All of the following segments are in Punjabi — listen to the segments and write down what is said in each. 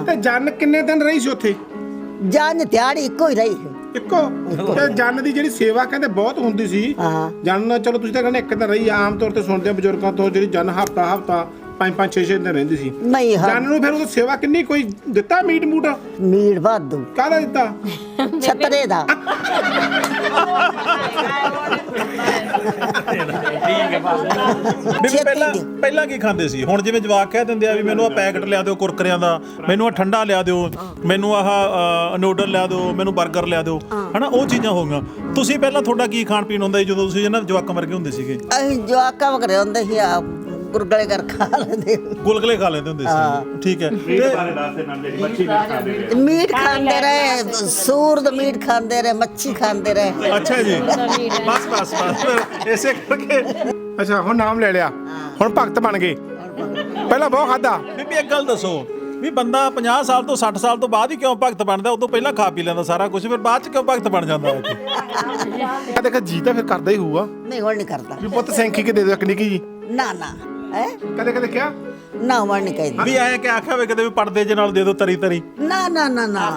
ਤੇ ਜਨ ਕਿੰਨੇ ਦਿਨ ਰਹੀ ਸੀ ਉੱਥੇ? ਜਨ ਦਿਹਾੜੀ ਇੱਕੋ ਹੀ ਰਹੀ। ਇੱਕੋ? ਤੇ ਜਨ ਦੀ ਜਿਹੜੀ ਸੇਵਾ ਕਹਿੰਦੇ ਬਹੁਤ ਹੁੰਦੀ ਸੀ। ਜਨ ਚਲੋ ਤੁਸੀਂ ਤਾਂ ਕਹਿੰਦੇ ਇੱਕ ਦਿਨ ਰਹੀ, ਆਮ ਤੌਰ ਤੇ ਸੁਣਦੇ ਆ ਬਜ਼ੁਰਗਾਂ ਤੋਂ ਜਿਹੜੀ ਜਨ ਹਫਤਾ 5-5 6-6 ਦਿਨ ਰਹਿੰਦੀ ਸੀ। ਨਹੀਂ ਜਨ ਨੂੰ ਫਿਰ ਉਹ ਸੇਵਾ ਕਿੰਨੀ ਕੋਈ ਦਿੱਤਾ ਮੀਟ ਮੂਟ? ਮੀਟ ਵਾਧੂ। ਕਾਹਦਾ ਦਿੱਤਾ? ਛਤਰੇ ਦਾ। ਪਹਿਲਾਂ ਕੀ ਖਾਂਦੇ ਸੀ? ਹੁਣ ਜਿਵੇਂ ਜਵਾਕ ਕਹਿ ਦਿੰਦੇ ਆ ਵੀ ਮੈਨੂੰ ਆ ਪੈਕਟ ਲਿਆ ਦਿਓ ਕੁਰਕਰਿਆਂ ਦਾ, ਮੈਨੂੰ ਆ ਠੰਡਾ ਲਿਆ ਦਿਓ, ਮੈਨੂੰ ਆਹ ਨੂਡਲ ਲਿਆ ਦਿਓ, ਮੈਨੂੰ 버ਗਰ ਲਿਆ ਦਿਓ, ਹਨਾ ਉਹ ਚੀਜ਼ਾਂ ਹੋ ਗਈਆਂ। ਤੁਸੀਂ ਪਹਿਲਾਂ ਤੁਹਾਡਾ ਕੀ ਖਾਣ ਪੀਣ ਹੁੰਦਾ ਸੀ ਜਦੋਂ ਤੁਸੀਂ ਇਹਨਾਂ ਜਵਾਕਾਂ ਵਰਗੇ ਹੁੰਦੇ ਸੀਗੇ? ਅਸੀਂ ਜਵਾਕਾਂ ਵਗਰੇ ਹੁੰਦੇ ਸੀ ਆ ਗੁਰਗਲੇ ਕਰ ਖਾ ਲੈਂਦੇ, ਗੁਲਗਲੇ ਖਾ ਲੈਂਦੇ ਹੁੰਦੇ ਸੀ। ਠੀਕ ਹੈ। ਮੀਟ ਖਾਂਦੇ ਰਹੇ, ਸੂਰ ਦਾ ਮੀਟ ਖਾਂਦੇ ਰਹੇ, ਮੱਛੀ ਖਾਂਦੇ ਰਹੇ। ਅੱਛਾ ਜੀ, ਬਸ ਬਸ ਬਸ ਇਸੇ ਕਰਕੇ। ਅੱਛਾ ਹੁਣ ਨਾਮ ਲੈ ਲਿਆ, ਹੁਣ ਭਗਤ ਬਣ ਗਏ। ਪਹਿਲਾਂ ਬਹੁਤ ਖਾਦਾ। ਬੀਬੀ ਇੱਕ ਗੱਲ ਦੱਸੋ ਵੀ ਬੰਦਾ 50 ਸਾਲ ਤੋਂ 60 ਸਾਲ ਤੋਂ ਬਾਅਦ ਹੀ ਕਿਉਂ ਭਗਤ ਬਣਦਾ? ਉਦੋਂ ਪਹਿਲਾਂ ਖਾ ਪੀ ਲੈਂਦਾ ਸਾਰਾ ਕੁਝ, ਫਿਰ ਬਾਅਦ ਚ ਕਿਉਂ ਭਗਤ ਬਣ ਜਾਂਦਾ ਹੈ? ਦੇਖ ਜੀ ਤਾਂ ਫਿਰ ਕਰਦਾ ਹੀ ਹੋਊਗਾ। ਨਹੀਂ ਹੁਣ ਨਹੀਂ ਕਰਦਾ। ਵੀ ਪੁੱਤ ਸੈਂਖੀ ਕੇ ਦੇ ਦਿਓ ਇੱਕ ਨਿੱਕੀ ਜੀ। ਨਾ ਨਾ ਹੈ ਕਦੇ ਕਦੇ ਕਿਹਾ ਨਾ, ਹੁਣ ਨਹੀਂ ਕਹਿੰਦੀ। ਵੀ ਐਂ ਕਿ ਆਖਿਆ ਵੇ ਕਦੇ ਵੀ ਪਰਦੇ ਜੇ ਨਾਲ ਦੇ ਦਿਓ ਤਰੀ ਤਰੀ? ਨਾ ਨਾ ਨਾ ਨਾ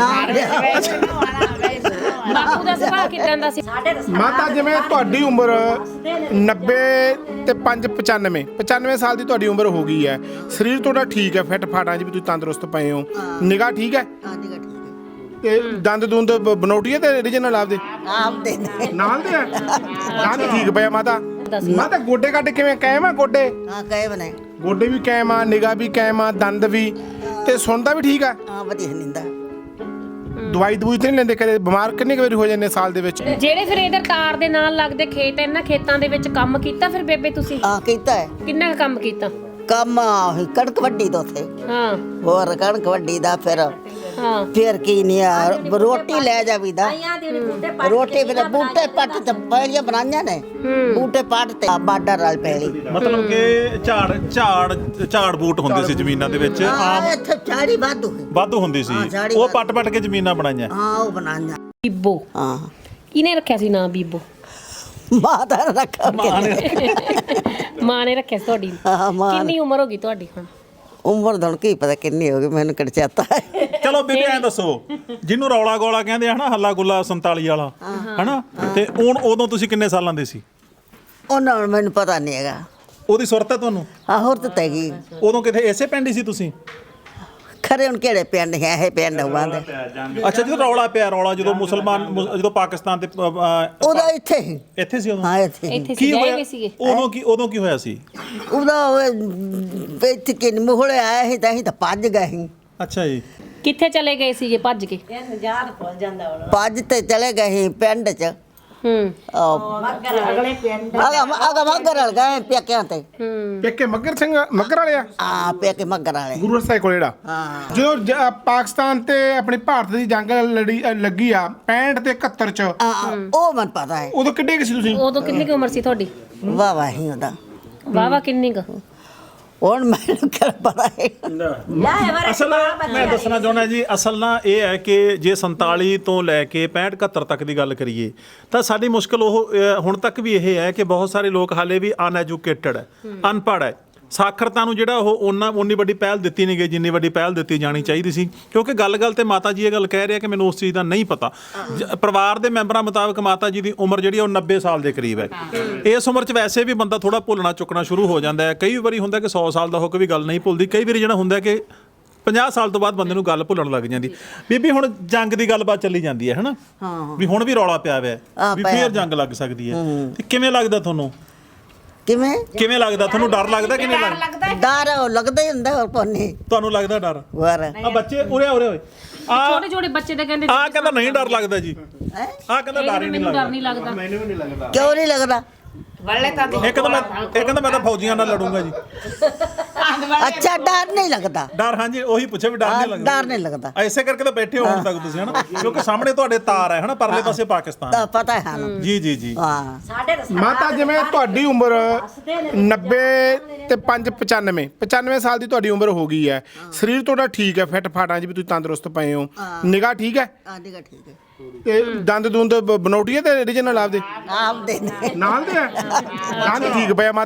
ਬਾਪੂ ਦਾ ਸੁਭਾਅ ਕਿਦਾਂ ਦਾ ਸੀ? ਮਾਤਾ ਜਿਵੇਂ ਤੁਹਾਡੀ ਉਮਰ 90 ਤੇ 5 95 ਸਾਲ ਦੀ ਤੁਹਾਡੀ ਉਮਰ ਹੋ ਗਈ ਹੈ, ਸਰੀਰ ਤੁਹਾਡਾ ਠੀਕ ਹੈ, ਫਿੱਟ ਫਾਟਾਂ 'ਚ ਵੀ ਤੁਸੀਂ ਤੰਦਰੁਸਤ ਪਏ ਹੋ, ਨਿਗਾਹ ਠੀਕ ਹੈ, ਤੇ ਦੰਦ ਦੁੰਦ ਬਨੌਟੀਏ ਤੇ ਰੀਜਨਲ ਆਪਦੇ ਆਪਦੇ ਨੇ ਨਾਲ ਦੇ ਆ? ਦੰਦ ਠੀਕ ਪਿਆ ਮਾਤਾ। ਮਾਤਾ ਗੋਡੇ ਕੱਢ ਕਿਵੇਂ ਕਾਇਮ ਆ? ਗੋਡੇ ਹਾਂ ਕਹੇ ਬਨੇ ਗੋਡੇ ਵੀ ਕਾਇਮ ਆ, ਨਿਗਾਹ ਵੀ ਕਾਇਮ ਆ, ਦੰਦ ਵੀ, ਤੇ ਸੁਣਦਾ ਵੀ ਠੀਕ ਆ? ਹਾਂ ਵਧੀਆ ਨਿੰਦਾ। ਦਵਾਈ ਦਵੂਈ ਤੇ ਨਹੀਂ ਲੈਂਦੇ? ਕਦੇ ਬਿਮਾਰ ਕਿੰਨੇ ਕੁ ਵਾਰੀ ਹੋ ਜਾਂਦੇ ਸਾਲ ਦੇ ਵਿੱਚ? ਜਿਹੜੇ ਫਿਰ ਇਧਰ ਤਾਰ ਦੇ ਨਾਲ ਲੱਗਦੇ ਖੇਤ, ਇਹਨਾਂ ਖੇਤਾਂ ਦੇ ਵਿੱਚ ਕੰਮ ਕੀਤਾ ਫਿਰ ਬੇਬੇ ਤੁਸੀਂ? ਹਾਂ ਕੀਤਾ ਹੈ ਕਿੰਨਾ ਕੁ ਕੰਮ ਕੀਤਾ? ਕੰਮ ਕਣਕ ਵੱਢੀ ਦਾ ਉੱਥੇ। ਹਾਂ ਹੋਰ ਕਣਕ ਵੱਢੀ ਦਾ ਫਿਰ ਕੀ ਨਹੀਂ ਆ, ਰੋਟੀ ਲੈ ਜਾਵੀਦਾ। ਰੋਟੀ ਫਿਰ ਬੂਟੇ ਪੱਟ ਤੇ ਪਹਿਲੀਆਂ ਬਣਾਈਆਂ ਨੇ, ਬੂਟੇ ਪੱਟ ਤੇ ਬਾਰਡਰ ਨਾਲ ਪਹਿਲੀ। ਮਤਲਬ ਕਿ ਝਾੜ ਬੂਟ ਹੁੰਦੇ ਸੀ ਜ਼ਮੀਨਾਂ ਦੇ ਵਿੱਚ, ਆਮ ਇੱਥੇ ਝਾੜੀ ਵਾਧੂ ਹੁੰਦੀ ਸੀ, ਉਹ ਪੱਟ ਕੇ ਜ਼ਮੀਨਾਂ ਬਣਾਈਆਂ। ਹਾਂ ਉਹ ਬਣਾਈਆਂ। ਬੀਬੋ ਹਾਂ ਕਿਹਨੇ ਰੱਖਿਆ ਸੀ ਨਾਂ ਬੀਬੋ? ਮਾਤਾ ਨੇ ਰੱਖਿਆ। ਮਾਂ ਨੇ ਰੱਖਿਆ ਸੀ ਤੁਹਾਡੀ? ਕਿੰਨੀ ਉਮਰ ਹੋ ਗਈ ਤੁਹਾਡੀ ਹੁਣ? ਉਮਰ ਦਾ ਕੀ ਪਤਾ ਕਿੰਨੀ ਹੋ ਗਈ, ਮੈਨੂੰ ਕਿਹੜਾ ਚੇਤਾ ਹੈ। ਚਲੋ ਬੀਬੀ ਐਂ ਦੱਸੋ, ਜਿਹਨੂੰ ਰੌਲਾ ਗੋਲਾ ਕਹਿੰਦੇ ਆ ਹਨਾ, ਹੱਲਾ ਗੁੱਲਾ 47 ਵਾਲਾ ਹਨਾ, ਤੇ ਉਦੋਂ ਤੁਸੀਂ ਕਿੰਨੇ ਸਾਲਾਂ ਦੇ ਸੀ? ਉਹਨਾਂ ਨੂੰ ਮੈਨੂੰ ਪਤਾ ਨਹੀਂ ਹੈਗਾ। ਉਹਦੀ ਸੁਰਤ ਹੈ ਤੁਹਾਨੂੰ? ਹਾਂ ਹੋਰ ਤਾਂ ਹੈਗੀ। ਉਦੋਂ ਕਿਤੇ ਇਸੇ ਪਿੰਡ ਹੀ ਸੀ ਤੁਸੀਂ? ਖਰੇ ਹੁਣ ਕਿਹੜੇ ਪਿੰਡ ਹੈ ਇਹ ਪਿੰਡ ਹੋਵਾਂਦੇ। ਅੱਛਾ ਜਦੋਂ ਰੌਲਾ ਪਿਆ, ਰੌਲਾ ਜਦੋਂ ਜਦੋਂ ਪਾਕਿਸਤਾਨ ਤੇ ਉਹਦਾ ਇੱਥੇ ਹੀ ਇੱਥੇ ਸੀ ਉਦੋਂ? ਹਾਂ ਇੱਥੇ ਕੀ ਹੋਇਆ ਉਦੋਂ ਕੀ ਹੋਇਆ ਸੀ? ਉਹਦਾ ਇੱਥੇ ਕਿ ਮੋਹਲੇ ਆਇਆ ਸੀ ਤਾਂ ਅਸੀਂ ਤਾਂ ਭੱਜ ਗਏ ਸੀ। ਅੱਛਾ ਜੀ। ਕਿੱਥੇ ਚਲੇ ਗਏ ਸੀ ਜੇ ਭੱਜ ਕੇ? ਭੱਜ ਤੇ ਚਲੇ ਗਏ ਸੀ ਪਿੰਡ 'ਚ। ਅਗਲੇ ਪਿੰਡ ਮੱਗਰ ਵਾਲ ਗਏ ਪੇਕਿਆਂ ਤੇ। ਪੇਕੇ ਮੱਗਰ ਸਿੰਘ ਮੱਗਰ ਵਾਲੇ ਆ? ਹਾਂ ਪੇਕੇ ਮੱਗਰ ਵਾਲੇ ਗੁਰੂ ਸਾਹਿਬ ਕੋਲ ਜਿਹੜਾ। ਜਦੋਂ ਪਾਕਿਸਤਾਨ ਤੇ ਆਪਣੀ ਭਾਰਤ ਦੀ ਜੰਗ ਲੱਗੀ ਆ 65 ਤੇ 71 ਚ, ਉਹ ਮੈਨੂੰ ਪਤਾ ਹੈ। ਉਦੋਂ ਕਿੱਡੇ ਕੁ ਸੀ ਤੁਸੀਂ? ਉਦੋਂ ਕਿੰਨੀ ਕੁ ਉਮਰ ਸੀ ਤੁਹਾਡੀ? ਵਾਹ ਹੀ ਉਹਦਾ ਵਾਹ ਕਿੰਨੀ ਕੁ? ਹੁਣ ਮੈਨੂੰ ਕਿਹੜਾ ਪਤਾ ਹੈ। ਅਸਲ ਮੈਂ ਦੱਸਣਾ ਚਾਹੁੰਦਾ ਜੀ, ਅਸਲ ਨਾ ਇਹ ਹੈ ਕਿ ਜੇ 47 ਤੋਂ ਲੈ ਕੇ 65 71 ਤੱਕ ਦੀ ਗੱਲ ਕਰੀਏ ਤਾਂ ਸਾਡੀ ਮੁਸ਼ਕਲ ਉਹ ਹੁਣ ਤੱਕ ਵੀ ਇਹ ਹੈ ਕਿ ਬਹੁਤ ਸਾਰੇ ਲੋਕ ਹਾਲੇ ਵੀ ਅਨਐਜੂਕੇਟਡ ਹੈ, ਅਨਪੜ੍ਹ ਹੈ। ਸਾਖਰਤਾ ਨੂੰ ਜਿਹੜਾ ਉਹ ਉਨੀ ਵੱਡੀ ਪਹਿਲ ਦਿੱਤੀ ਨਹੀਂ ਗਈ ਜਿੰਨੀ ਵੱਡੀ ਪਹਿਲ ਦਿੱਤੀ ਜਾਣੀ ਚਾਹੀਦੀ ਸੀ, ਕਿਉਂਕਿ ਗੱਲ ਤੇ ਮਾਤਾ ਜੀ ਇਹ ਗੱਲ ਕਹਿ ਰਿਹਾ ਕਿ ਮੈਨੂੰ ਉਸ ਚੀਜ਼ ਦਾ ਨਹੀਂ ਪਤਾ। ਪਰਿਵਾਰ ਦੇ ਮੈਂਬਰਾਂ ਮੁਤਾਬਕ ਮਾਤਾ ਜੀ ਦੀ ਉਮਰ ਜਿਹੜੀ ਉਹ 90 ਸਾਲ ਦੇ ਕਰੀਬ ਹੈ। ਇਸ ਉਮਰ 'ਚ ਵੈਸੇ ਵੀ ਬੰਦਾ ਥੋੜਾ ਭੁੱਲਣਾ ਚੁੱਕਣਾ ਸ਼ੁਰੂ ਹੋ ਜਾਂਦਾ ਹੈ। ਕਈ ਵਾਰੀ ਹੁੰਦਾ ਕਿ 100 ਸਾਲ ਦਾ ਹੋ ਕੇ ਵੀ ਗੱਲ ਨਹੀਂ ਭੁੱਲਦੀ, ਕਈ ਵਾਰੀ ਜਿਹੜਾ ਹੁੰਦਾ ਕਿ 50 ਸਾਲ ਤੋਂ ਬਾਅਦ ਬੰਦੇ ਨੂੰ ਗੱਲ ਭੁੱਲਣ ਲੱਗ ਜਾਂਦੀ। ਬੀਬੀ ਹੁਣ ਜੰਗ ਦੀ ਗੱਲਬਾਤ ਚੱਲੀ ਜਾਂਦੀ ਹੈ ਹਨਾ, ਵੀ ਹੁਣ ਵੀ ਰੌਲਾ ਪਿਆ ਹੋਇਆ ਵੀ ਫੇਰ ਜੰਗ ਲੱਗ ਸਕਦੀ ਹੈ, ਤੇ ਕਿਵੇਂ ਲੱਗਦਾ ਤੁਹਾਨੂੰ? ਕਿਵੇਂ ਲੱਗਦਾ ਤੁਹਾਨੂੰ? ਡਰ ਲੱਗਦਾ ਕਿ ਨਹੀਂ ਲੱਗਦਾ? ਡਰ ਲੱਗਦਾ ਹੀ ਹੁੰਦਾ ਹੋਰ ਕੋਨੇ। ਤੁਹਾਨੂੰ ਲੱਗਦਾ ਡਰ? ਆ ਬੱਚੇ ਉਰੇ ਹੋਏ ਛੋਟੇ ਛੋਟੇ ਬੱਚੇ ਤਾਂ ਕਹਿੰਦੇ ਆ ਕਹਿੰਦਾ ਨਹੀਂ ਡਰ ਲੱਗਦਾ ਜੀ, ਆ ਕਹਿੰਦਾ ਡਰ ਹੀ ਨਹੀਂ ਲੱਗਦਾ। ਮੈਨੂੰ ਵੀ ਨਹੀਂ ਲੱਗਦਾ। ਕਿਉਂ ਨਹੀਂ ਲੱਗਦਾ? ਇਹ ਕਹਿੰਦਾ ਮੈਂ ਤਾਂ ਫੌਜੀਆਂ ਨਾਲ ਲੜੂੰਗਾ ਜੀ। ਅੱਛਾ ਡਰ ਨਹੀਂ ਲੱਗਦਾ? ਡਰ ਹਾਂਜੀ ਉਹੀ ਪੁੱਛਿਆ ਵੀ ਡਰ ਨਹੀਂ ਲੱਗਦਾ? ਡਰ ਨਹੀਂ ਲੱਗਦਾ। ਐਸੇ ਕਰਕੇ ਤਾਂ ਬੈਠੇ ਹੋ ਹੁਣ ਤੱਕ ਤੁਸੀਂ ਹਨਾ, ਕਿਉਂਕਿ ਸਾਹਮਣੇ ਤੁਹਾਡੇ ਤਾਰ ਹੈ ਹਨਾ, ਪਰਲੇ ਪਾਸੇ ਪਾਕਿਸਤਾਨ। ਤਾਂ ਪਤਾ ਹੈ ਸਾਨੂੰ। ਜੀ ਹਾਂ ਮਾਤਾ ਜਿਵੇਂ ਤੁਹਾਡੀ ਉਮਰ 90 ਤੇ 5 95 ਸਾਲ ਦੀ ਤੁਹਾਡੀ ਉਮਰ ਹੋ ਗਈ ਹੈ, ਸਰੀਰ ਤੁਹਾਡਾ ਠੀਕ ਹੈ, ਫਿੱਟ ਫਾਟਾਂ 'ਚ ਵੀ ਤੁਸੀਂ ਤੰਦਰੁਸਤ ਪਏ ਹੋ, ਨਿਗਾਹ ਠੀਕ ਹੈ, ਠੀਕ ਹੈ, ਤੇ ਦੰਦ ਦੁੰਦ ਬਨੌਟੀਏ ਤੇ ਰੀਜਨਲ ਆਪਦੇ ਆਪਦੇ ਨੇ ਨਾਲ ਦੇ ਆ? ਦੰਦ ਠੀਕ ਪਿਆ ਮਾਤਾ।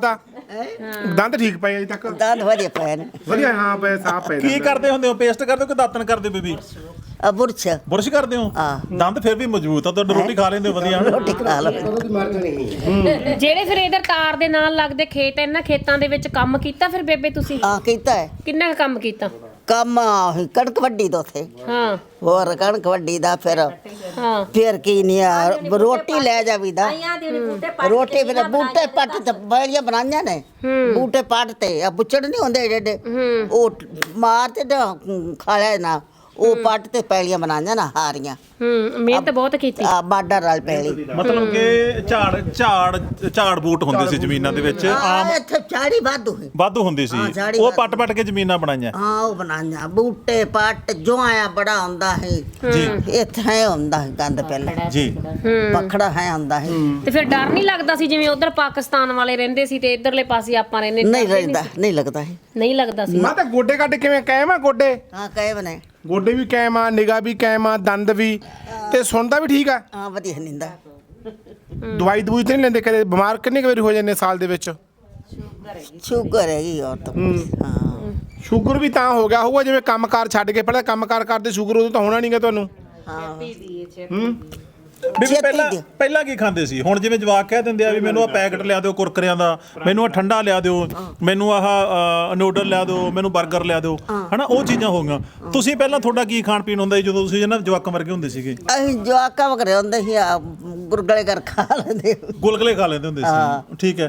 ਦੰਦ ਠੀਕ ਪਏ ਅਜੇ ਤੱਕ ਦੰਦ ਵਧੀਆ ਪਏ ਨੇ ਵਧੀਆ ਹਾਂ ਪਏ ਸਾਫ ਪਏ ਕੀ ਕਰਦੇ ਹੁੰਦੇ ਹੋ ਪੇਸਟ ਕਰਦੇ ਹੋ ਕਿ ਦਾਤਨ ਕਰਦੇ ਹੋ ਬੀਬੀ ਬੁਰਸ਼ ਬੁਰਸ਼ ਕਰਦੇ ਹੋ ਦੰਦ ਫਿਰ ਵੀ ਮਜ਼ਬੂਤ ਆ ਤੁਹਾਡੀ ਰੋਟੀ ਖਾ ਲੈਂਦੇ ਹੋ ਵਧੀਆ ਹਨਾ? ਰੋਟੀ ਖਾ ਲਓ ਜਿਹੜੇ ਫਿਰ ਇਧਰ ਤਾਰ ਦੇ ਨਾਲ ਲੱਗਦੇ ਖੇਤ ਇਹਨਾਂ ਖੇਤਾਂ ਦੇ ਵਿੱਚ ਕੰਮ ਕੀਤਾ ਫਿਰ ਬੇਬੇ ਤੁਸੀਂ ਹਾਂ ਕੀਤਾ ਹੈ ਕਿੰਨਾ ਕੁ ਕੰਮ ਕੀਤਾ ਕੰਮ ਆਹੀ ਕਣਕ ਵੱਢੀ ਤੋਂ ਥੇ ਹਾਂ ਹੋਰ ਕਣਕ ਵੱਢੀ ਦਾ ਫਿਰ ਕੀ ਨਹੀਂ ਆ ਰੋਟੀ ਲੈ ਜਾਵੀਦਾ ਰੋਟੀ ਫਿਰ ਬੂਟੇ ਪੱਟ ਤੇ ਬੜੀਆਂ ਬਣਾਈਆਂ ਨੇ ਬੂਟੇ ਪੱਟ ਤੇ ਆ ਬੁੱਚੜ ਨਹੀਂ ਹੁੰਦੇ ਜਿਹੜੇ ਉਹ ਮਾਰ ਤੇ ਖਾ ਲਿਆ ਨਾ ਉਹ ਪੱਟ ਤੇ ਪੈਲੀਆਂ ਬਣਾਈਆਂ ਨਾ ਹਾਰੀਆਂ ਮਿਹਨਤ ਬਹੁਤ ਕੀਤੀ ਆ ਬਾਡਾ ਨਾਲ ਪੈਲੀ ਮਤਲਬ ਕਿ ਝਾੜ ਬੂਟ ਹੁੰਦੇ ਸੀ ਜ਼ਮੀਨਾਂ ਦੇ ਵਿੱਚ ਆਮ ਇੱਥੇ ਝਾੜੀ ਵਾਧੂ ਹੁੰਦੀ ਸੀ ਝਾੜੀ ਉਹ ਪੱਟ ਕੇ ਜ਼ਮੀਨਾਂ ਬਣਾਈਆਂ ਹਾਂ ਉਹ ਬਣਾਈਆਂ ਬੂਟੇ ਪੱਟ ਜੋ ਆਇਆ ਬੜਾ ਹੁੰਦਾ ਹੈ ਜੀ ਇੱਥੇ ਹੈ ਹੁੰਦਾ ਹੈ ਗੰਦ ਪਹਿਲਾਂ ਜੀ ਪਖੜਾ ਹੈ ਹੁੰਦਾ ਹੈ ਤੇ ਫਿਰ ਡਰ ਨਹੀਂ ਲੱਗਦਾ ਸੀ ਜਿਵੇਂ ਉਧਰ ਪਾਕਿਸਤਾਨ ਵਾਲੇ ਰਹਿੰਦੇ ਸੀ ਤੇ ਇਧਰਲੇ ਪਾਸੇ ਆਪਾਂ ਰਹਿੰਦੇ ਨਹੀਂ ਰਹਿੰਦਾ ਨਹੀਂ ਲੱਗਦਾ ਹੈ ਨਹੀਂ ਲੱਗਦਾ ਸੀ ਮੈਂ ਤਾਂ ਗੋਡੇ ਕੱਢ ਕਿਵੇਂ ਕਾਇਮ ਆ ਗੋਡੇ ਹਾਂ ਕਹੇ ਬਨੇ ਗੋਡੇ ਵੀ ਕਾਇਮ ਆ ਨਿਗਾਹ ਵੀ ਕਾਇਮ ਆ ਦੰਦ ਵੀ ਤੇ ਸੁਣਦਾ ਵੀ ਠੀਕ ਆ ਹਾਂ ਵਧੀਆ ਨਿੰਦਾ ਦਵਾਈ ਦਵੂਈ ਤੇ ਨਹੀਂ ਲੈਂਦੇ ਕਦੇ ਬਿਮਾਰ ਕਿੰਨੇ ਕੁ ਵਾਰੀ ਹੋ ਜਾਂਦੇ ਸਾਲ ਦੇ ਵਿੱਚ ਸ਼ੂਗਰ ਹੈਗੀ ਔਰ ਤਾਂ ਹਾਂ ਸ਼ੂਗਰ ਵੀ ਤਾਂ ਹੋ ਗਿਆ ਹੋਊਗਾ ਜਿਵੇਂ ਕੰਮਕਾਰ ਛੱਡ ਕੇ ਪਹਿਲਾਂ ਕੰਮਕਾਰ ਕਰਦੇ ਸ਼ੂਗਰ ਉਦੋਂ ਤਾਂ ਹੋਣਾ ਨਹੀਂਗਾ ਤੁਹਾਨੂੰ ਹਾਂ ਬੀਬੀ ਪਹਿਲਾਂ ਕੀ ਖਾਂਦੇ ਸੀ ਹੁਣ ਜਿਵੇਂ ਜਵਾਕ ਕਹਿ ਦਿੰਦੇ ਆ ਵੀ ਮੈਨੂੰ ਆ ਪੈਕਟ ਲਿਆ ਦਿਓ ਕੁਰਕਰਿਆਂ ਦਾ ਮੈਨੂੰ ਆ ਠੰਡਾ ਲਿਆ ਦਿਓ ਮੈਨੂੰ ਆਹ ਨੂਡਲ ਲਿਆ ਦਿਓ ਮੈਨੂੰ 버ਗਰ ਲਿਆ ਦਿਓ ਹਨਾ ਉਹ ਚੀਜ਼ਾਂ ਹੋ ਗਈਆਂ ਤੁਸੀਂ ਪਹਿਲਾਂ ਤੁਹਾਡਾ ਕੀ ਖਾਣ ਪੀਣ ਹੁੰਦਾ ਸੀ ਜਦੋਂ ਤੁਸੀਂ ਇਹਨਾਂ ਜਵਾਕਾਂ ਵਰਗੇ ਹੁੰਦੇ ਸੀਗੇ ਅਸੀਂ ਜਵਾਕਾਂ ਵਗਰੇ ਹੁੰਦੇ ਸੀ ਆ ਗੁਰਗਲੇ ਕਰ ਖਾ ਲੈਂਦੇ ਗੁਲਗਲੇ ਖਾ ਲੈਂਦੇ ਹੁੰਦੇ ਸੀ ਠੀਕ ਹੈ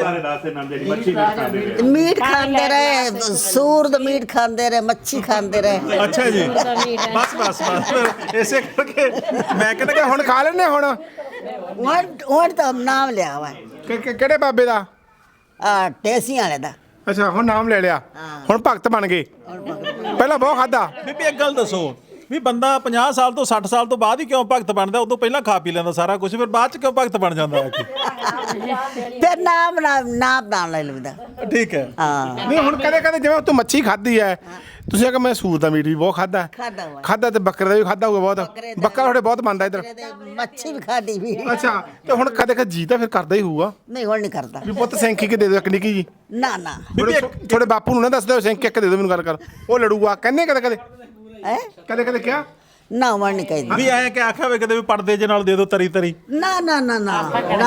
ਮੀਟ ਖਾਂਦੇ ਰਹੇ ਸੂਰ ਦਾ ਮੀਟ ਖਾਂਦੇ ਰਹੇ ਮੱਛੀ ਖਾਂਦੇ ਰਹੇ ਅੱਛਾ ਜੀ ਬਸ ਇਸੇ ਕਰਕੇ ਮੈਂ ਕਹਿੰਦਾ ਕਿ ਹੁਣ ਖਾ ਲੈਣੇ ਹੁਣ ਹੁਣ ਤਾਂ ਨਾਮ ਲਿਆ ਵਾ ਕਿਹੜੇ ਬਾਬੇ ਦਾ ਆ ਟੇਸੀਆਂ ਵਾਲੇ ਦਾ ਅੱਛਾ ਹੁਣ ਨਾਮ ਲੈ ਲਿਆ ਹੁਣ ਭਗਤ ਬਣ ਗਏ ਪਹਿਲਾਂ ਬਹੁਤ ਖਾਦਾ ਬੀਬੀ ਇੱਕ ਗੱਲ ਦੱਸੋ ਵੀ ਬੰਦਾ 50 ਸਾਲ ਤੋਂ 60 ਸਾਲ ਤੋਂ ਬਾਅਦ ਹੀ ਕਿਉਂ ਭਗਤ ਬਣਦਾ ਉਦੋਂ ਪਹਿਲਾਂ ਖਾ ਪੀ ਲੈਂਦਾ ਸਾਰਾ ਕੁਝ ਫਿਰ ਬਾਅਦ ਚ ਕਿਉਂ ਭਗਤ ਬਣ ਜਾਂਦਾ ਹੈ ਫਿਰ ਨਾਮ ਨਾਮ ਲੈ ਲੈਂਦਾ ਠੀਕ ਹੈ ਹਾਂ ਨਹੀਂ ਹੁਣ ਕਦੇ ਕਦੇ ਜਿਵੇਂ ਤੂੰ ਮੱਛੀ ਖਾਧੀ ਹੈ ਤੁਸੀਂ ਆਖਿਆ ਮੈਂ ਸੂਰ ਦਾ ਮੀਟ ਵੀ ਬਹੁਤ ਖਾਦਾ ਖਾਦਾ ਤੇ ਬੱਕਰੇ ਦਾ ਵੀ ਖਾਦਾ ਹੋਊਗਾ ਬਹੁਤ ਬੱਕਰਾ ਤੁਹਾਡੇ ਬਹੁਤ ਬਣਦਾ ਇੱਧਰ ਮੱਛੀ ਵੀ ਖਾਦੀ ਵੀ ਅੱਛਾ ਤੇ ਹੁਣ ਕਦੇ ਕਦੇ ਜੀ ਤਾਂ ਫਿਰ ਕਰਦਾ ਹੀ ਹੋਊਗਾ ਨਹੀਂ ਹੁਣ ਨਹੀਂ ਕਰਦਾ ਵੀ ਪੁੱਤ ਸੈਂਕੀ ਕੇ ਦੇ ਦਿਓ ਇੱਕ ਨਿੱਕੀ ਜੀ ਨਾ ਨਾ ਤੁਹਾਡੇ ਬਾਪੂ ਨੂੰ ਨਾ ਦੱਸ ਦਿਓ ਸੈਂਕੀ ਇੱਕ ਦੇ ਦਿਓ ਮੈਨੂੰ ਗੱਲ ਕਰ ਉਹ ਲੜੂਗਾ ਕਹਿੰਦੇ ਕਦੇ ਕਦੇ ਹੈ ਕਦੇ ਕਦੇ ਕਿਹਾ ਨਾ ਹੁਣ ਨਹੀਂ ਕਹਿੰਦੀ ਵੀ ਐ ਕਿ ਆਖਿਆ ਵੇ ਕਦੇ ਵੀ ਪਰਦੇ ਜੇ ਨਾਲ ਦੇ ਦਿਓ ਤਰੀ ਤਰੀ ਨਾ ਨਾ ਨਾ ਨਾ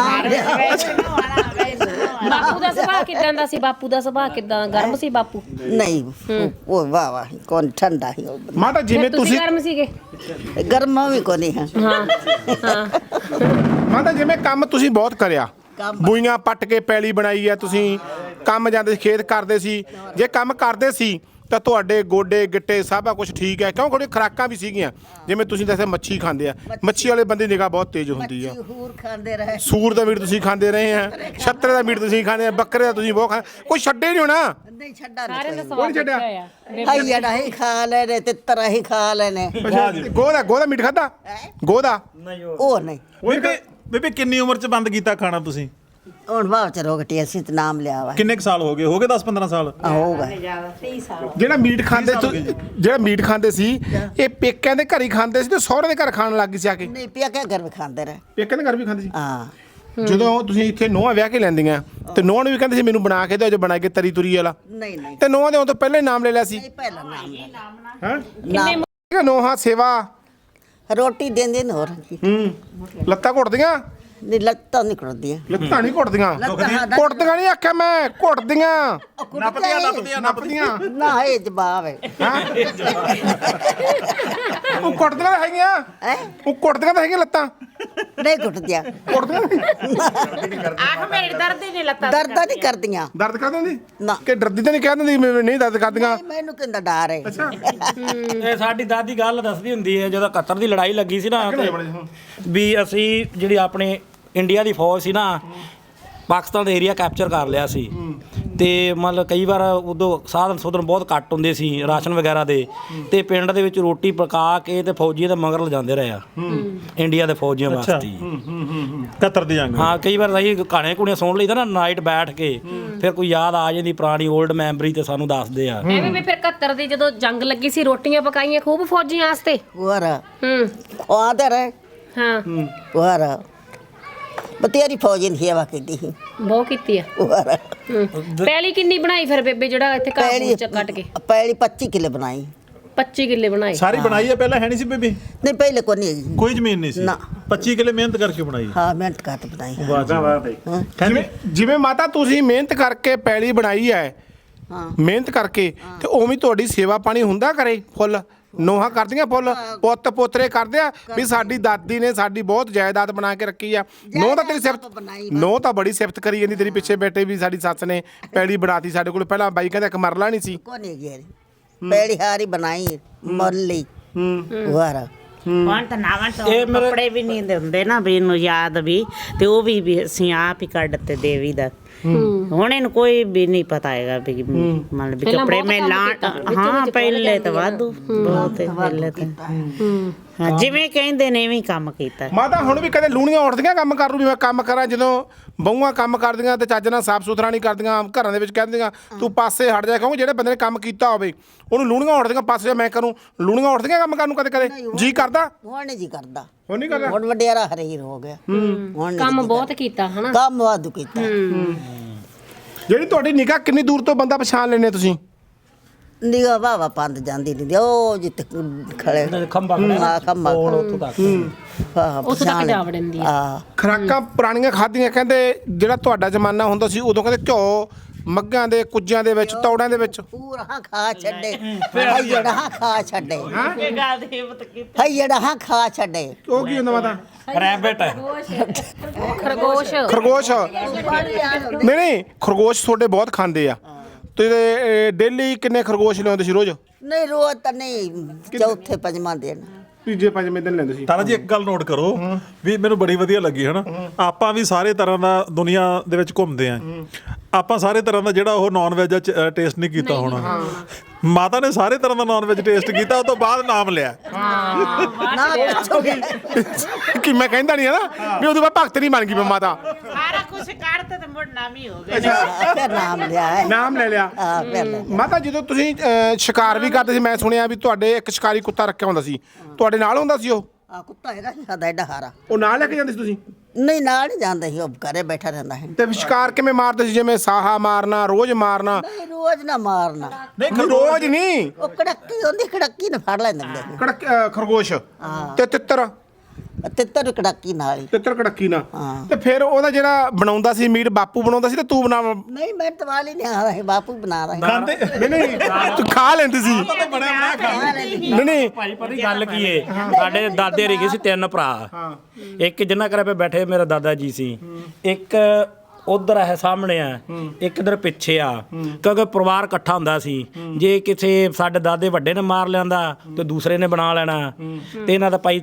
ਬਾਪੂ ਦਾ ਸੁਭਾਅ ਕਿਦਾਂ ਦਾ ਸੀ ਬਾਪੂ ਦਾ ਸੁਭਾਅ ਕਿਦਾਂ ਗਰਮ ਸੀ ਬਾਪੂ ਨਹੀਂ ਉਹ ਵਾਹ ਵਾਹ ਕੌਣ ਠੰਡਾ ਹੀ ਮਾਤਾ ਜਿਵੇਂ ਤੁਸੀਂ ਗਰਮ ਸੀਗੇ ਗਰਮਾ ਵੀ ਕੋ ਨਹੀਂ ਹੈ ਹਾਂ ਹਾਂ ਮਾਤਾ ਜਿਵੇਂ ਕੰਮ ਤੁਸੀਂ ਬਹੁਤ ਕਰਿਆ ਬੂਈਆਂ ਪੱਟ ਕੇ ਪੈਲੀ ਬਣਾਈ ਆ ਤੁਸੀਂ ਕੰਮ ਜਾਂਦੇ ਸੀ ਖੇਤ ਕਰਦੇ ਸੀ ਜੇ ਕੰਮ ਕਰਦੇ ਸੀ ਤਾਂ ਤੁਹਾਡੇ ਗੋਡੇ ਗਿੱਟੇ ਸਭ ਕੁਝ ਠੀਕ ਹੈ ਕਿਉਂ ਤੁਹਾਡੀ ਖੁਰਾਕਾਂ ਵੀ ਸੀਗੀਆਂ ਜਿਵੇਂ ਤੁਸੀਂ ਦੱਸਿਆ ਮੱਛੀ ਖਾਂਦੇ ਆ ਮੱਛੀ ਵਾਲੇ ਬੰਦੇ ਨਿਗਾਹ ਬਹੁਤ ਤੇਜ਼ ਹੁੰਦੀ ਆ ਹੂਰ ਖਾਂਦੇ ਰਹੇ ਸੂਰ ਦਾ ਮੀਟ ਤੁਸੀਂ ਖਾਂਦੇ ਰਹੇ ਆ ਛੱਤਰੇ ਦਾ ਮੀਟ ਤੁਸੀਂ ਖਾਂਦੇ ਆ ਬੱਕਰੇ ਦਾ ਤੁਸੀਂ ਬਹੁਤ ਖਾ ਕੋਈ ਛੱਡੇ ਨਹੀਂ ਹੋਣਾ ਨਹੀਂ ਛੱਡਾ ਸਾਰਿਆਂ ਦਾ ਨਹੀਂ ਸਵਾਦ ਛੱਡਿਆ? ਹੋਇਆ ਹਾਈ ਜੜਾ ਹੀ ਖਾ ਲੈਣੇ ਤੇ ਤਰਾ ਹੀ ਖਾ ਲੈਣੇ ਗੋਦਾ ਮੀਟ ਖਾਦਾ ਗੋਦਾ ਉਹ ਨਹੀਂ ਬੀਬੀ ਕਿੰਨੀ ਉਮਰ ਚ ਬੰਦ ਕੀਤਾ ਖਾਣਾ ਤੁਸੀਂ ਹੁਣ ਬਾਅਦ ਚ ਰੋਗਟੀ ਅਸੀਂ ਤੇ ਨਾਮ ਲਿਆ ਵਾ ਕਿੰਨੇ ਕੁ ਸਾਲ ਹੋ ਗਏ 10-15 ਸਾਲ ਹੋਊਗਾ ਜਿਹੜਾ ਮੀਟ ਖਾਂਦੇ ਸੀ ਇਹ ਪੇਕਿਆਂ ਦੇ ਘਰ ਹੀ ਖਾਂਦੇ ਸੀ ਤੇ ਸਹੁਰੇ ਦੇ ਘਰ ਖਾਣ ਲੱਗ ਗਏ ਸੀ ਆ ਕੇ ਨਹੀਂ ਪਿਆ ਕੇ ਘਰ ਵੀ ਖਾਂਦੇ ਰਹੇ ਪੇਕਿਆਂ ਦੇ ਘਰ ਵੀ ਖਾਂਦੇ ਸੀ ਹਾਂ ਜਦੋਂ ਤੁਸੀਂ ਇੱਥੇ ਨੋਹਾਂ ਵਿਆਹ ਕੇ ਲੈਂਦੀਆਂ ਤੇ ਨੋਹਾਂ ਨੂੰ ਵੀ ਕਹਿੰਦੇ ਸੀ ਮੈਨੂੰ ਬਣਾ ਕੇ ਦਿਓ ਜੋ ਬਣਾ ਕੇ ਤਰੀ ਤੁਰੀ ਵਾਲਾ ਨਹੀਂ ਨਹੀਂ ਤੇ ਨੋਹਾਂ ਦੇ ਆਉਣ ਤੋਂ ਪਹਿਲਾਂ ਹੀ ਨਾਮ ਲੈ ਲਿਆ ਸੀ ਪਹਿਲਾ ਨਾਮ ਲਿਆ ਹੈ ਨਾਮ ਨੋਹਾਂ ਸੇਵਾ ਰੋਟੀ ਦਿੰਦੇ ਨੇ ਹੋਰ ਲੱਤਾਂ ਘੁੱਟਦੀਆਂ ਨਹੀਂ ਲੱਤਾਂ ਨਹੀਂ ਕਰਦੀਆਂ ਲੱਤਾਂ ਨਹੀਂ ਘੁੱਟਦੀਆਂ ਘੁੱਟਦੀਆਂ ਨਹੀਂ ਆਖਿਆ ਮੈਂ ਘੁੱਟਦੀਆਂ ਨੱਪਦੀਆਂ ਨਾ ਇਹ ਜਵਾਬ ਹੈ ਉਹ ਘੁੱਟਦੀਆਂ ਹੈਗੀਆਂ ਉਹ ਘੁੱਟਦੀਆਂ ਤਾਂ ਹੈਗੀਆਂ ਲੱਤਾਂ ਨਹੀਂ ਘੁੱਟਦੀਆਂ ਘੁੱਟਦੀਆਂ ਆਖ ਮੇਰੇ ਦਰਦ ਹੀ ਨਹੀਂ ਲੱਤਾਂ ਦਰਦ ਨਹੀਂ ਕਰਦੀਆਂ ਦਰਦ ਕਰ ਦਿੰਦੀ ਨਾ ਕਿ ਡਰਦੀ ਤਾਂ ਨਹੀਂ ਕਹਿ ਦਿੰਦੀ ਨਹੀਂ ਦਰਦ ਕਰਦੀਆਂ ਮੈਨੂੰ ਕਿੰਦਾ ਡਰ ਹੈ ਅੱਛਾ ਇਹ ਸਾਡੀ ਦਾਦੀ ਗੱਲ ਦੱਸਦੀ ਹੁੰਦੀ ਹੈ ਜਦੋਂ 71 ਦੀ ਲੜਾਈ ਲੱਗੀ ਸੀ ਨਾ ਵੀ ਅਸੀਂ ਜਿਹੜੀ ਆਪਣੇ ਇੰਡੀਆ ਦੀ ਫੌਜ ਸੀ ਨਾ ਪਾਕਿਸਤਾਨ ਦਾ ਏਰੀਆ ਕੈਪਚਰ ਕਰ ਲਿਆ ਸੀ ਤੇ ਮਤਲਬ ਕਈ ਵਾਰ ਉਦੋਂ ਸਾਧਨ ਸੁਧਨ ਬਹੁਤ ਘੱਟ ਹੁੰਦੇ ਸੀ ਰਾਸ਼ਨ ਵਗੈਰਾ ਦੇ ਤੇ ਪਿੰਡ ਦੇ ਵਿੱਚ ਰੋਟੀ ਪਕਾ ਕੇ ਤੇ ਫੌਜੀਆਂ ਦੇ ਮਗਰ ਲਿਜਾਂਦੇ ਰਹੇ ਆ ਇੰਡੀਆ ਦੇ ਫੌਜੀਆਂ ਵਾਸਤੇ 71 ਦੀ ਜੰਗ ਹਾਂ ਕਈ ਵਾਰ ਅਸੀਂ ਕਹਾਣੀਆਂ ਕੁੜੀਆਂ ਸੁਣ ਲਈਦਾ ਨਾ ਨਾਈਟ ਬੈਠ ਕੇ ਫਿਰ ਕੋਈ ਯਾਦ ਆ ਜਾਂਦੀ ਪੁਰਾਣੀ 올ਡ ਮੈਮਰੀ ਤੇ ਸਾਨੂੰ ਦੱਸਦੇ ਆ ਐਵੇਂ ਵੀ ਫਿਰ 71 ਦੀ ਜਦੋਂ ਜੰਗ ਲੱਗੀ ਸੀ ਰੋਟੀਆਂ ਪਕਾਈਆਂ ਖੂਬ ਫੌਜੀਆਂ ਵਾਸਤੇ ਹੋਰ ਹੂੰ ਆਦੇ ਰਹੇ ਹਾਂ ਹੋਰ ਬਤੇਰੀ ਫੌਜੀ ਨੇ ਸੇਵਾ ਕੀਤੀ ਸੀ ਬਹੁਤ ਕੀਤੀ ਆ ਹੋਰ ਪਹਿਲੀ ਕਿੰਨੀ ਬਣਾਈ ਫਿਰ ਬੇਬੇ ਜਿਹੜਾ ਇੱਥੇ ਘਾਹ ਪੈਲੀ ਚ ਕੱਟ ਕੇ? ਪੈਲੀ 25 ਕਿੱਲੇ ਬਣਾਈ। 25 ਕਿੱਲੇ ਬਣਾਏ। ਸਾਰੀ ਬਣਾਈ ਹੈ, ਪਹਿਲਾਂ ਹੈ ਨਹੀਂ ਸੀ ਬੇਬੇ? ਨਹੀਂ ਪਹਿਲੇ ਕੋਈ ਨਹੀਂ ਹੈਗੀ। ਕੋਈ ਜ਼ਮੀਨ ਨਹੀਂ ਸੀ? ਨਾ। 25 ਕਿੱਲੇ ਮਿਹਨਤ ਕਰਕੇ ਬਣਾਈ। ਹਾਂ ਮਿਹਨਤ ਕਰਕੇ ਬਣਾਈ। ਜਿਵੇਂ ਮਾਤਾ ਤੁਸੀਂ ਮਿਹਨਤ ਕਰਕੇ ਪੈਲੀ ਬਣਾਈ ਹੈ, ਮਿਹਨਤ ਕਰਕੇ, ਤੇ ਉਵੇਂ ਤੁਹਾਡੀ ਸੇਵਾ ਪਾਣੀ ਹੁੰਦਾ ਕਰੇ ਫੁੱਲ? ਨੋਹਾਂ ਕਰਦੀਆਂ ਫੁੱਲ, ਪੁੱਤ ਪੋਤਰੇ ਕਰਦੇ ਆ ਵੀ ਸਾਡੀ ਦਾਦੀ ਨੇ ਸਾਡੀ ਬਹੁਤ ਜਾਇਦਾਦ ਬਣਾ ਕੇ ਰੱਖੀ ਆ? ਨੋਹ ਤਾਂ ਤੇਰੀ ਸਿਫਤ, ਨੋਹ ਤਾਂ ਬੜੀ ਸਿਫਤ ਕਰੀ ਜਾਂਦੀ ਤੇਰੀ ਪਿੱਛੇ ਬੈਠੇ ਵੀ ਸਾਡੀ ਸੱਸ ਨੇ ਪੈਲੀ ਬਣਾਤੀ ਸਾਡੇ ਕੋਲ। ਪਹਿਲਾਂ ਬਾਈ ਕਹਿੰਦਾ ਇੱਕ ਮਰਲਾ ਨਹੀਂ ਸੀ। ਕੋਈ ਨਹੀਂ ਹੈਗੀ। ਪੈਲੀ ਹਾਰੀ ਬਣਾਈ ਮਰਲੀ ਵਾਰਾ। ਹੁਣ ਤਾਂ ਨਾਵਾਂ ਤੋਂ ਕੱਪੜੇ ਵੀ ਨਹੀਂ ਦਿੰਦੇ ਨਾ ਵੀ ਇਹਨੂੰ ਯਾਦ ਵੀ, ਤੇ ਉਹ ਵੀ ਅਸੀਂ ਆਪ ਹੀ ਕੱਢ ਤੇ ਦੇਵੀ ਦਾ। ਹੁਣ ਇਹਨੂੰ ਕੋਈ ਵੀ ਨਹੀਂ ਪਤਾ ਹੈਗਾ ਵੀ ਮਤਲਬ ਵੀ ਕੱਪੜੇ ਮੈਂ ਹਾਂ ਪਹਿਲੇ ਤਾਂ ਵਾਧੂ ਬਹੁਤ ਪਹਿਲੇ ਤਾਂ ਹਾਂ ਜਿਵੇਂ ਕਹਿੰਦੇ ਨੇ ਐਵੇਂ ਕੰਮ ਕੀਤਾ। ਮਾਤਾ ਹੁਣ ਵੀ ਕਦੇ ਲੂਣੀਆਂ ਉੱਠਦੀਆਂ ਕੰਮ ਕਰਨ ਨੂੰ ਵੀ ਮੈਂ ਕੰਮ ਕਰਾਂ? ਜਦੋਂ ਬਹੂਆਂ ਕੰਮ ਕਰਦੀਆਂ ਤੇ ਚੱਜ ਨਾਲ ਸਾਫ਼ ਸੁਥਰਾ ਨਹੀਂ ਕਰਦੀਆਂ, ਘਰਾਂ ਦੇ ਵਿੱਚ ਕਹਿ ਦਿੰਦੀਆਂ ਤੂੰ ਪਾਸੇ ਹਟ ਜਾ, ਕਹੂੰ ਜਿਹੜੇ ਬੰਦੇ ਨੇ ਕੰਮ ਕੀਤਾ ਹੋਵੇ ਉਹਨੂੰ ਲੂਣੀਆਂ ਉੱਠਦੀਆਂ ਪਾਸੇ ਜਾ ਮੈਂ ਕਰੂੰ। ਲੂਣੀਆਂ ਉੱਠਦੀਆਂ ਕੰਮ ਕਰਨ ਨੂੰ ਕਦੇ ਕਦੇ ਜੀ ਕਰਦਾ? ਹੁਣ ਨਹੀਂ ਜੀ ਕਰਦਾ। ਹੁਣ ਨਹੀਂ ਕਰਦਾ? ਹੁਣ ਵਡਿਆਰਾ ਹਰੀਰ ਹੋ ਗਿਆ। ਹੁਣ ਕੰਮ ਬਹੁਤ ਕੀਤਾ ਹਨਾ? ਕੰਮ ਵਾਧੂ ਕੀਤਾ। ਜਿਹੜੀ ਤੁਹਾਡੀ ਨਿਗਾਹ ਕਿੰਨੀ ਦੂਰ ਤੋਂ ਬੰਦਾ ਪਛਾਣ ਲੈਂਦੇ ਤੁਸੀਂ? ਨਿਗਾ ਵਾਵਾ ਪੰਦ ਜਾਂਦੀ ਨਹੀਂ ਉਹ ਜਿੱਥੇ ਖੜੇ ਖੰਭਾ ਹਾਂ ਖੰਭਾ ਉੱਥੋਂ ਤੱਕ। ਉੱਥੇ ਤੱਕ ਜਾ ਵੜਨ ਦੀ ਆ। ਹਾਂ ਖੁਰਾਕਾਂ ਪੁਰਾਣੀਆਂ ਖਾਧੀਆਂ, ਕਹਿੰਦੇ ਜਿਹੜਾ ਤੁਹਾਡਾ ਜ਼ਮਾਨਾ ਹੁੰਦਾ ਸੀ ਉਦੋਂ ਕਹਿੰਦੇ ਘਿਓ ਮੱਘਾਂ ਦੇ ਕੁੱਜਿਆਂ ਦੇ ਵਿੱਚ, ਤੌੜਾਂ ਦੇ ਵਿੱਚ ਪੂਰਾ ਖਾ ਛੱਡੇ। ਹਈ ਜਿਹੜਾ ਖਾ ਛੱਡੇ। ਹਈ ਖਾ ਛੱਡੇ। ਉਹ ਕੀ ਹੁੰਦਾ ਮਾਤਾ? ਰੈਬਿਟ ਖਰਗੋਸ਼। ਖਰਗੋਸ਼? ਨਹੀਂ ਖਰਗੋਸ਼ ਤੁਹਾਡੇ ਬਹੁਤ ਖਾਂਦੇ ਆ। ਤੇ ਡੇਲੀ ਕਿੰਨੇ ਖਰਗੋਸ਼ ਲਿਆਉਂਦੇ ਸੀ ਰੋਜ਼? ਨਹੀਂ ਰੋਜ਼ ਤਾਂ ਨਹੀਂ, ਚੌਥੇ ਪੰਜਵਾਂ ਦਿਨ। ਤੀਜੇ ਪੰਜਵੇਂ ਦਿਨ ਲੈਂਦੇ ਸੀ। ਤਾਰਾ ਜੀ ਇੱਕ ਗੱਲ ਨੋਟ ਕਰੋ ਵੀ ਮੈਨੂੰ ਬੜੀ ਵਧੀਆ ਲੱਗੀ ਹਨਾ। ਆਪਾਂ ਵੀ ਸਾਰੇ ਤਰ੍ਹਾਂ ਦਾ ਦੁਨੀਆ ਦੇ ਵਿੱਚ ਘੁੰਮਦੇ ਆਂ, ਆਪਾਂ ਸਾਰੇ ਤਰ੍ਹਾਂ ਦਾ ਜਿਹੜਾ ਉਹ ਨਾਨ ਵੈਜ ਟੇਸਟ ਨਹੀਂ ਕੀਤਾ ਹੋਣਾ। ਮਾਤਾ ਨੇ ਸਾਰੇ ਤਰ੍ਹਾਂ ਦਾ ਨਾਨ ਵੈਜ ਟੇਸਟ ਕੀਤਾ, ਉਸ ਤੋਂ ਬਾਅਦ ਨਾਮ ਲਿਆ। ਨਾ ਪੁੱਛੋਗੇ ਕਿ ਮੈਂ ਕਹਿੰਦਾ ਨਹੀਂ ਹੈ ਨਾ ਵੀ ਉਹਦੇ ਬਾਅਦ ਭਗਤ ਨਹੀਂ ਬਣ ਗਈ ਮੈਂ ਮਾਤਾ। ਸਾਰਾ ਕੁਝ ਕੱਢਤੇ ਤੇ ਮੁੜ ਨਾਮ ਹੀ ਹੋ ਗਿਆ। ਫਿਰ ਨਾਮ ਲਿਆ ਹੈ। ਨਾਮ ਲੈ ਲਿਆ। ਹਾਂ ਫਿਰ ਲੈ ਲਿਆ। ਮਾਤਾ ਜਦੋਂ ਤੁਸੀਂ ਸ਼ਿਕਾਰ ਵੀ ਕਰਦੇ ਸੀ, ਮੈਂ ਸੁਣਿਆ ਵੀ ਤੁਹਾਡੇ ਇੱਕ ਸ਼ਿਕਾਰੀ ਕੁੱਤਾ ਰੱਖਿਆ ਹੁੰਦਾ ਸੀ, ਤੁਹਾਡੇ ਨਾਲ ਹੁੰਦਾ ਸੀ ਉਹ? ਆ ਕੁੱਤਾ ਹੈਗਾ ਸੀ ਸਾਡਾ ਐਡਾ ਹਾਰਾ। ਉਹ ਨਾਲ ਲੈ ਕੇ ਜਾਂਦੇ ਸੀ ਤੁਸੀਂ? ਨਹੀਂ ਨਾਲ ਨਹੀਂ ਜਾਂਦਾ ਸੀ, ਉਹ ਘਰੇ ਬੈਠਾ ਰਹਿੰਦਾ ਹੈ। ਤੇ ਸ਼ਿਕਾਰ ਕਿਵੇਂ ਮਾਰਦੇ ਸੀ? ਜਿਵੇਂ ਸਾਹਾ ਮਾਰਨਾ, ਰੋਜ਼ ਮਾਰਨਾ? ਨਹੀਂ ਰੋਜ਼ ਨਾ ਮਾਰਨਾ। ਨਹੀਂ ਰੋਜ਼ ਨਹੀਂ, ਉਹ ਕੜੱਕੀ ਹੁੰਦੀ, ਕੜੱਕੀ ਨੇ ਫੜ ਲੈਂਦੇ ਹੁੰਦੇ ਸੀ। ਖਰਗੋਸ਼ ਤੇ ਤਿੱਤਰ? ਤਿੱਤਰ ਕੜੱਕੀ ਨਾਲ ਹੀ। ਤਿੱਤਰ ਕੜੱਕੀ ਨਾ। ਹਾਂ। ਤੇ ਫਿਰ ਉਹਦਾ ਜਿਹੜਾ ਬਣਾਉਂਦਾ ਸੀ ਮੀਟ ਬਾਪੂ ਬਣਾਉਂਦਾ ਸੀ ਤੇ ਤੂੰ ਬਣਾ? ਨਹੀਂ ਮੈਂ ਤਵਾਲੀ ਨਹੀਂ ਆ ਰਹੀ, ਬਾਪੂ ਬਣਾ ਰਹੀ। ਖਾਂਦੇ ਨਹੀਂ ਤੂੰ ਖਾ ਲੈਂਦੀ ਸੀ? ਨਹੀਂ ਨਹੀਂ ਭਾਈ ਪਤਾ ਗੱਲ ਕੀ ਏ, ਸਾਡੇ ਦਾਦੇ ਰਿਗੇ ਸੀ 3 ਭਰਾ। ਇੱਕ ਜਿੰਨਾ ਘਰੇ ਪੇ ਬੈਠੇ ਮੇਰਾ ਦਾਦਾ ਜੀ ਸੀ, ਇੱਕ ਉਧਰ ਹੈ ਸਾਹਮਣੇ ਆ, ਇੱਕ ਇਧਰ ਪਿੱਛੇ ਆ, ਕਿਉਂਕਿ ਪਰਿਵਾਰ ਇਕੱਠਾ ਹੁੰਦਾ ਸੀ। ਜੇ ਕਿਸੇ ਸਾਡੇ ਦਾਦੇ ਵੱਡੇ ਨੇ ਮਾਰ ਲਿਆਂਦਾ ਤੇ ਦੂਸਰੇ ਨੇ ਬਣਾ ਲੈਣਾ। ਤੇ ਇਹਨਾਂ ਦਾ ਭਾਈ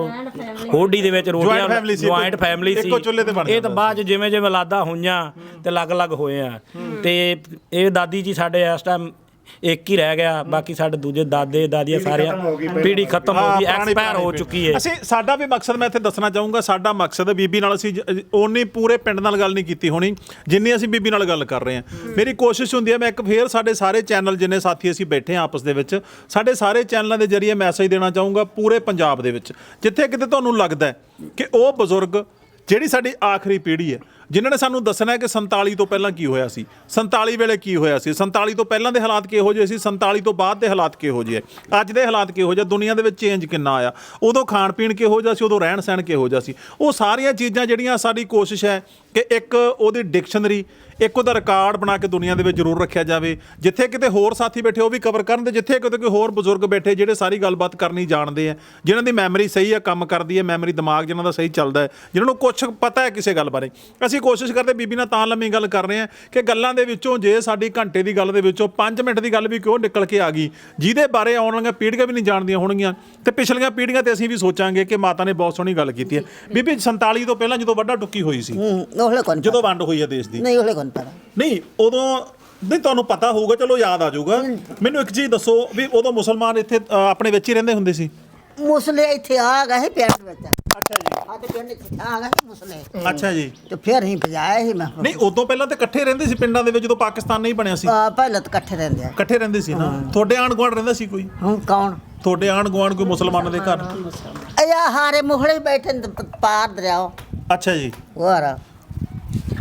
ਹੋਡੀ ਦੇ ਵਿੱਚ ਰੋਟੀਆਂ, ਜੁਆਇੰਟ ਫੈਮਿਲੀ ਸੀ। ਇਹ ਤਾਂ ਬਾਅਦ ਜਿਵੇਂ ਜਿਵੇਂ ਲਾਦਾ ਹੋਈਆਂ ਤੇ ਅਲੱਗ-ਅਲੱਗ ਹੋਏ ਆ। ਤੇ ਇਹ ਦਾਦੀ ਜੀ ਸਾਡੇ ਇਸ ਟਾਈਮ ਇੱਕ ਹੀ ਰਹਿ ਗਿਆ, ਬਾਕੀ ਸਾਡੇ ਦੂਜੇ ਦਾਦੇ ਦਾਦੀਆਂ ਸਾਰਿਆਂ ਪੀੜ੍ਹੀ ਖਤਮ ਹੋ ਗਈ, ਐਕਸਪਾਇਰ ਹੋ ਚੁੱਕੀ ਹੈ। ਅਸੀਂ ਸਾਡਾ ਵੀ ਮਕਸਦ, ਮੈਂ ਇੱਥੇ ਦੱਸਣਾ ਚਾਹੂੰਗਾ, ਸਾਡਾ ਮਕਸਦ ਬੀਬੀ ਨਾਲ ਅਸੀਂ ਓਨੀ ਪੂਰੇ ਪਿੰਡ ਨਾਲ ਗੱਲ ਨਹੀਂ ਕੀਤੀ ਹੋਣੀ ਜਿੰਨੀ ਅਸੀਂ ਬੀਬੀ ਨਾਲ ਗੱਲ ਕਰ ਰਹੇ ਹਾਂ। ਮੇਰੀ ਕੋਸ਼ਿਸ਼ ਹੁੰਦੀ ਹੈ ਮੈਂ ਇੱਕ ਫੇਰ ਸਾਡੇ ਸਾਰੇ ਚੈਨਲ ਜਿੰਨੇ ਸਾਥੀ ਅਸੀਂ ਬੈਠੇ ਹਾਂ ਆਪਸ ਦੇ ਵਿੱਚ, ਸਾਡੇ ਸਾਰੇ ਚੈਨਲਾਂ ਦੇ ਜ਼ਰੀਏ ਮੈਸੇਜ ਦੇਣਾ ਚਾਹੂੰਗਾ ਪੂਰੇ ਪੰਜਾਬ ਦੇ ਵਿੱਚ, ਜਿੱਥੇ ਕਿਤੇ ਤੁਹਾਨੂੰ ਲੱਗਦਾ ਹੈ ਕਿ ਉਹ ਬਜ਼ੁਰਗ ਜਿਹੜੀ ਸਾਡੀ ਆਖਰੀ ਪੀੜ੍ਹੀ ਹੈ ਜਿਨ੍ਹਾਂ ਨੇ ਸਾਨੂੰ ਦੱਸਣਾ ਹੈ ਕਿ 47 ਤੋਂ ਪਹਿਲਾਂ ਕੀ ਹੋਇਆ ਸੀ, 47 ਵੇਲੇ ਕੀ ਹੋਇਆ ਸੀ, 47 ਤੋਂ ਪਹਿਲਾਂ ਦੇ ਹਾਲਾਤ ਕਿਹੋ ਜਿਹੇ ਸੀ, 47 ਤੋਂ ਬਾਅਦ ਦੇ ਹਾਲਾਤ ਕਿਹੋ ਜਿਹੇ, ਅੱਜ ਦੇ ਹਾਲਾਤ ਕਿਹੋ ਜਿਹੇ, ਦੁਨੀਆ ਦੇ ਵਿੱਚ ਚੇਂਜ ਕਿੰਨਾ ਆਇਆ, ਉਦੋਂ ਖਾਣ ਪੀਣ ਕਿਹੋ ਜਿਹਾ ਸੀ, ਉਦੋਂ ਰਹਿਣ ਸਹਿਣ ਕਿਹੋ ਜਿਹਾ ਸੀ। ਉਹ ਸਾਰੀਆਂ ਚੀਜ਼ਾਂ ਜਿਹੜੀਆਂ ਸਾਡੀ ਕੋਸ਼ਿਸ਼ ਹੈ ਕਿ ਇੱਕ ਉਹਦੀ ਡਿਕਸ਼ਨਰੀ, ਇੱਕ ਉਹਦਾ ਰਿਕਾਰਡ ਬਣਾ ਕੇ ਦੁਨੀਆ ਦੇ ਵਿੱਚ ਜ਼ਰੂਰ ਰੱਖਿਆ ਜਾਵੇ। ਜਿੱਥੇ ਕਿਤੇ ਹੋਰ ਸਾਥੀ ਬੈਠੇ ਉਹ ਵੀ ਕਵਰ ਕਰਨ, ਤੇ ਜਿੱਥੇ ਕਿਤੇ ਕੋਈ ਹੋਰ ਬਜ਼ੁਰਗ ਬੈਠੇ ਜਿਹੜੇ ਸਾਰੀ ਗੱਲਬਾਤ ਕਰਨੀ ਜਾਣਦੇ ਆ, ਜਿਨ੍ਹਾਂ ਦੀ ਮੈਮਰੀ ਸਹੀ ਹੈ, ਕੰਮ ਕਰਦੀ ਹੈ, ਮੈਮਰੀ ਦਿਮਾਗ ਜਿਨ੍ਹਾਂ ਦਾ ਸਹੀ ਚੱਲਦਾ ਹੈ, ਜਿਨ੍ਹਾਂ ਨੂੰ ਕੁਛ ਪਤਾ ਹੈ ਕਿਸੇ ਗੱਲ ਬਾਰੇ। ਅਸੀਂ ਕੋਸ਼ਿਸ਼ ਕਰਦੇ ਬੀਬੀ ਨਾਲ ਤਾਂ ਲੰਮੀ ਗੱਲ ਕਰ ਰਹੇ ਹਾਂ ਕਿ ਗੱਲਾਂ ਦੇ ਵਿੱਚੋਂ ਜੇ ਸਾਡੀ ਘੰਟੇ ਦੀ ਗੱਲ ਦੇ ਵਿੱਚੋਂ 5 ਮਿੰਟ ਦੀ ਗੱਲ ਵੀ ਕਿਉਂ ਨਿਕਲ ਕੇ ਆ ਗਈ ਜਿਹਦੇ ਬਾਰੇ ਆਉਣ ਵਾਲੀਆਂ ਪੀੜ੍ਹੀਆਂ ਵੀ ਨਹੀਂ ਜਾਣਦੀਆਂ ਹੋਣਗੀਆਂ, ਤੇ ਪਿਛਲੀਆਂ ਪੀੜ੍ਹੀਆਂ ਤੇ ਅਸੀਂ ਵੀ ਸੋਚਾਂਗੇ ਕਿ ਮਾਤਾ ਨੇ ਬਹੁਤ ਸੋਹਣੀ ਗੱਲ ਕੀਤੀ ਹੈ। ਬੀਬੀ 47 ਤੋਂ ਪਹਿਲਾਂ ਜਦੋਂ ਵੱਡਾ ਟੁੱਕੀ ਹੋਈ ਸੀ, ਜਦੋਂ ਵੰਡ ਹੋਈ ਹੈ ਦੇਸ਼ ਦੀ, ਨਹੀਂ ਉਹਲੇ ਕੋਣ ਪਤਾ ਨਹੀਂ ਉਦੋਂ ਨਹੀਂ ਤੁਹਾਨੂੰ ਪਤਾ ਹੋਊਗਾ, ਚਲੋ ਯਾਦ ਆ ਜਾਊਗਾ। ਮੈਨੂੰ ਇੱਕ ਚੀਜ਼ ਦੱਸੋ ਵੀ ਉਦੋਂ ਮੁਸਲਮਾਨ ਇੱਥੇ ਆਪਣੇ ਵਿੱਚ ਹੀ ਰਹਿੰਦੇ ਹੁੰਦੇ ਸੀ? ਮੁਸਲੇ ਇੱਥੇ ਆ ਗਏ ਪਿੰਡ ਵਿੱਚ। ਅੱਛਾ ਜੀ। ਆ ਤੇ ਪਿੰਡ ਚ ਆ ਗਏ ਮੁਸਲੇ। ਅੱਛਾ ਜੀ। ਤੇ ਫਿਰ ਹੀ ਭਜਾਇਆ ਸੀ ਮੈਂ। ਨਹੀਂ ਉਦੋਂ ਪਹਿਲਾਂ ਤਾਂ ਇਕੱਠੇ ਰਹਿੰਦੇ ਸੀ ਪਿੰਡਾਂ ਦੇ ਵਿੱਚ, ਜਦੋਂ ਪਾਕਿਸਤਾਨ ਨਹੀਂ ਬਣਿਆ ਸੀ। ਪਹਿਲਾਂ ਤਾਂ ਇਕੱਠੇ ਰਹਿੰਦੇ ਆ। ਇਕੱਠੇ ਰਹਿੰਦੇ ਸੀ ਨਾ। ਤੁਹਾਡੇ ਆਂਢ ਗੁਆਂਢ ਰਹਿੰਦਾ ਸੀ ਕੋਈ? ਹੁਣ ਕੌਣ? ਤੁਹਾਡੇ ਆਂਢ ਗੁਆਂਢ ਕੋਈ ਮੁਸਲਮਾਨਾਂ ਦੇ ਘਰ? ਅਯਾ ਹਾਰੇ ਮੁਹਲੇ ਬੈਠੇ ਨੇ ਪਾਰ ਦਰਿਆਓ। ਅੱਛਾ ਜੀ। ਹੋਰ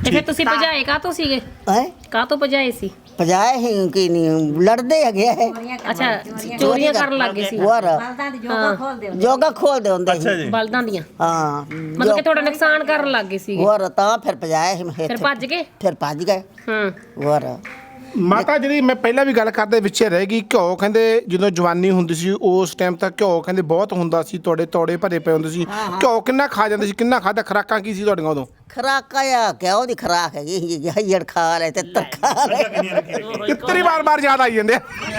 ਤੇ ਫਿਰ ਤੁਸੀਂ ਭਜਾਏ ਕਾਹਤੋਂ ਸੀਗੇ? ਹੈ ਕਾਹਤੋਂ ਭਜਾਏ ਸੀ? ਪਜਾਏ ਹੀ ਕਿ ਨਹੀਂ ਲੜਦੇ ਹੈਗੇ ਹੈ ਅੱਛਾ ਚੋਰੀਆਂ ਕਰਨ ਲੱਗ ਗਏ ਸੀ ਹੋਰ ਜੋਗਾ ਖੋਲਦੇ ਹੁੰਦੇ ਅੱਛਾ ਸੀ ਜੀ ਬਲਦਾਂ ਦੀਆਂ, ਹਾਂ ਮਤਲਬ ਕਿ ਥੋੜਾ ਨੁਕਸਾਨ ਕਰਨ ਲੱਗ ਗਏ ਸੀਗੇ, ਹੋਰ ਤਾਂ ਫਿਰ ਪਜਾਏ ਹੀ ਫਿਰ ਭੱਜ ਗਏ। ਫਿਰ ਭੱਜ ਗਏ ਹੂੰ ਹੋਰ ਮਾਤਾ ਜਿਹੜੀ ਮੈਂ ਪਹਿਲਾਂ ਵੀ ਗੱਲ ਕਰਦੇ ਵਿੱਚੇ ਰਹਿ ਗਈ, ਘਿਓ ਕਹਿੰਦੇ ਜਦੋਂ ਜਵਾਨੀ ਹੁੰਦੀ ਸੀ ਉਸ ਟਾਈਮ ਤੱਕ ਘਿਓ ਕਹਿੰਦੇ ਬਹੁਤ ਹੁੰਦਾ ਸੀ, ਤੁਹਾਡੇ ਤੋੜੇ ਭਰੇ ਪਏ ਹੁੰਦੇ ਸੀ, ਘਿਓ ਕਿੰਨਾ ਖਾ ਜਾਂਦੇ ਸੀ, ਕਿੰਨਾ ਖਾਦਾ, ਖੁਰਾਕਾਂ ਕੀ ਸੀ ਤੁਹਾਡੀਆਂ ਉਦੋਂ? ਖਰਾਕਾ ਆ ਕਿਆ ਉਹਦੀ ਖਰਾਕ ਹੈਗੀ ਹਈੜ ਖਾ ਲੈ ਤੇ ਖਾ ਲੈ ਕਿਤਨੀ ਵਾਰ ਯਾਦ ਆਈ ਜਾਂਦੇ ਆ।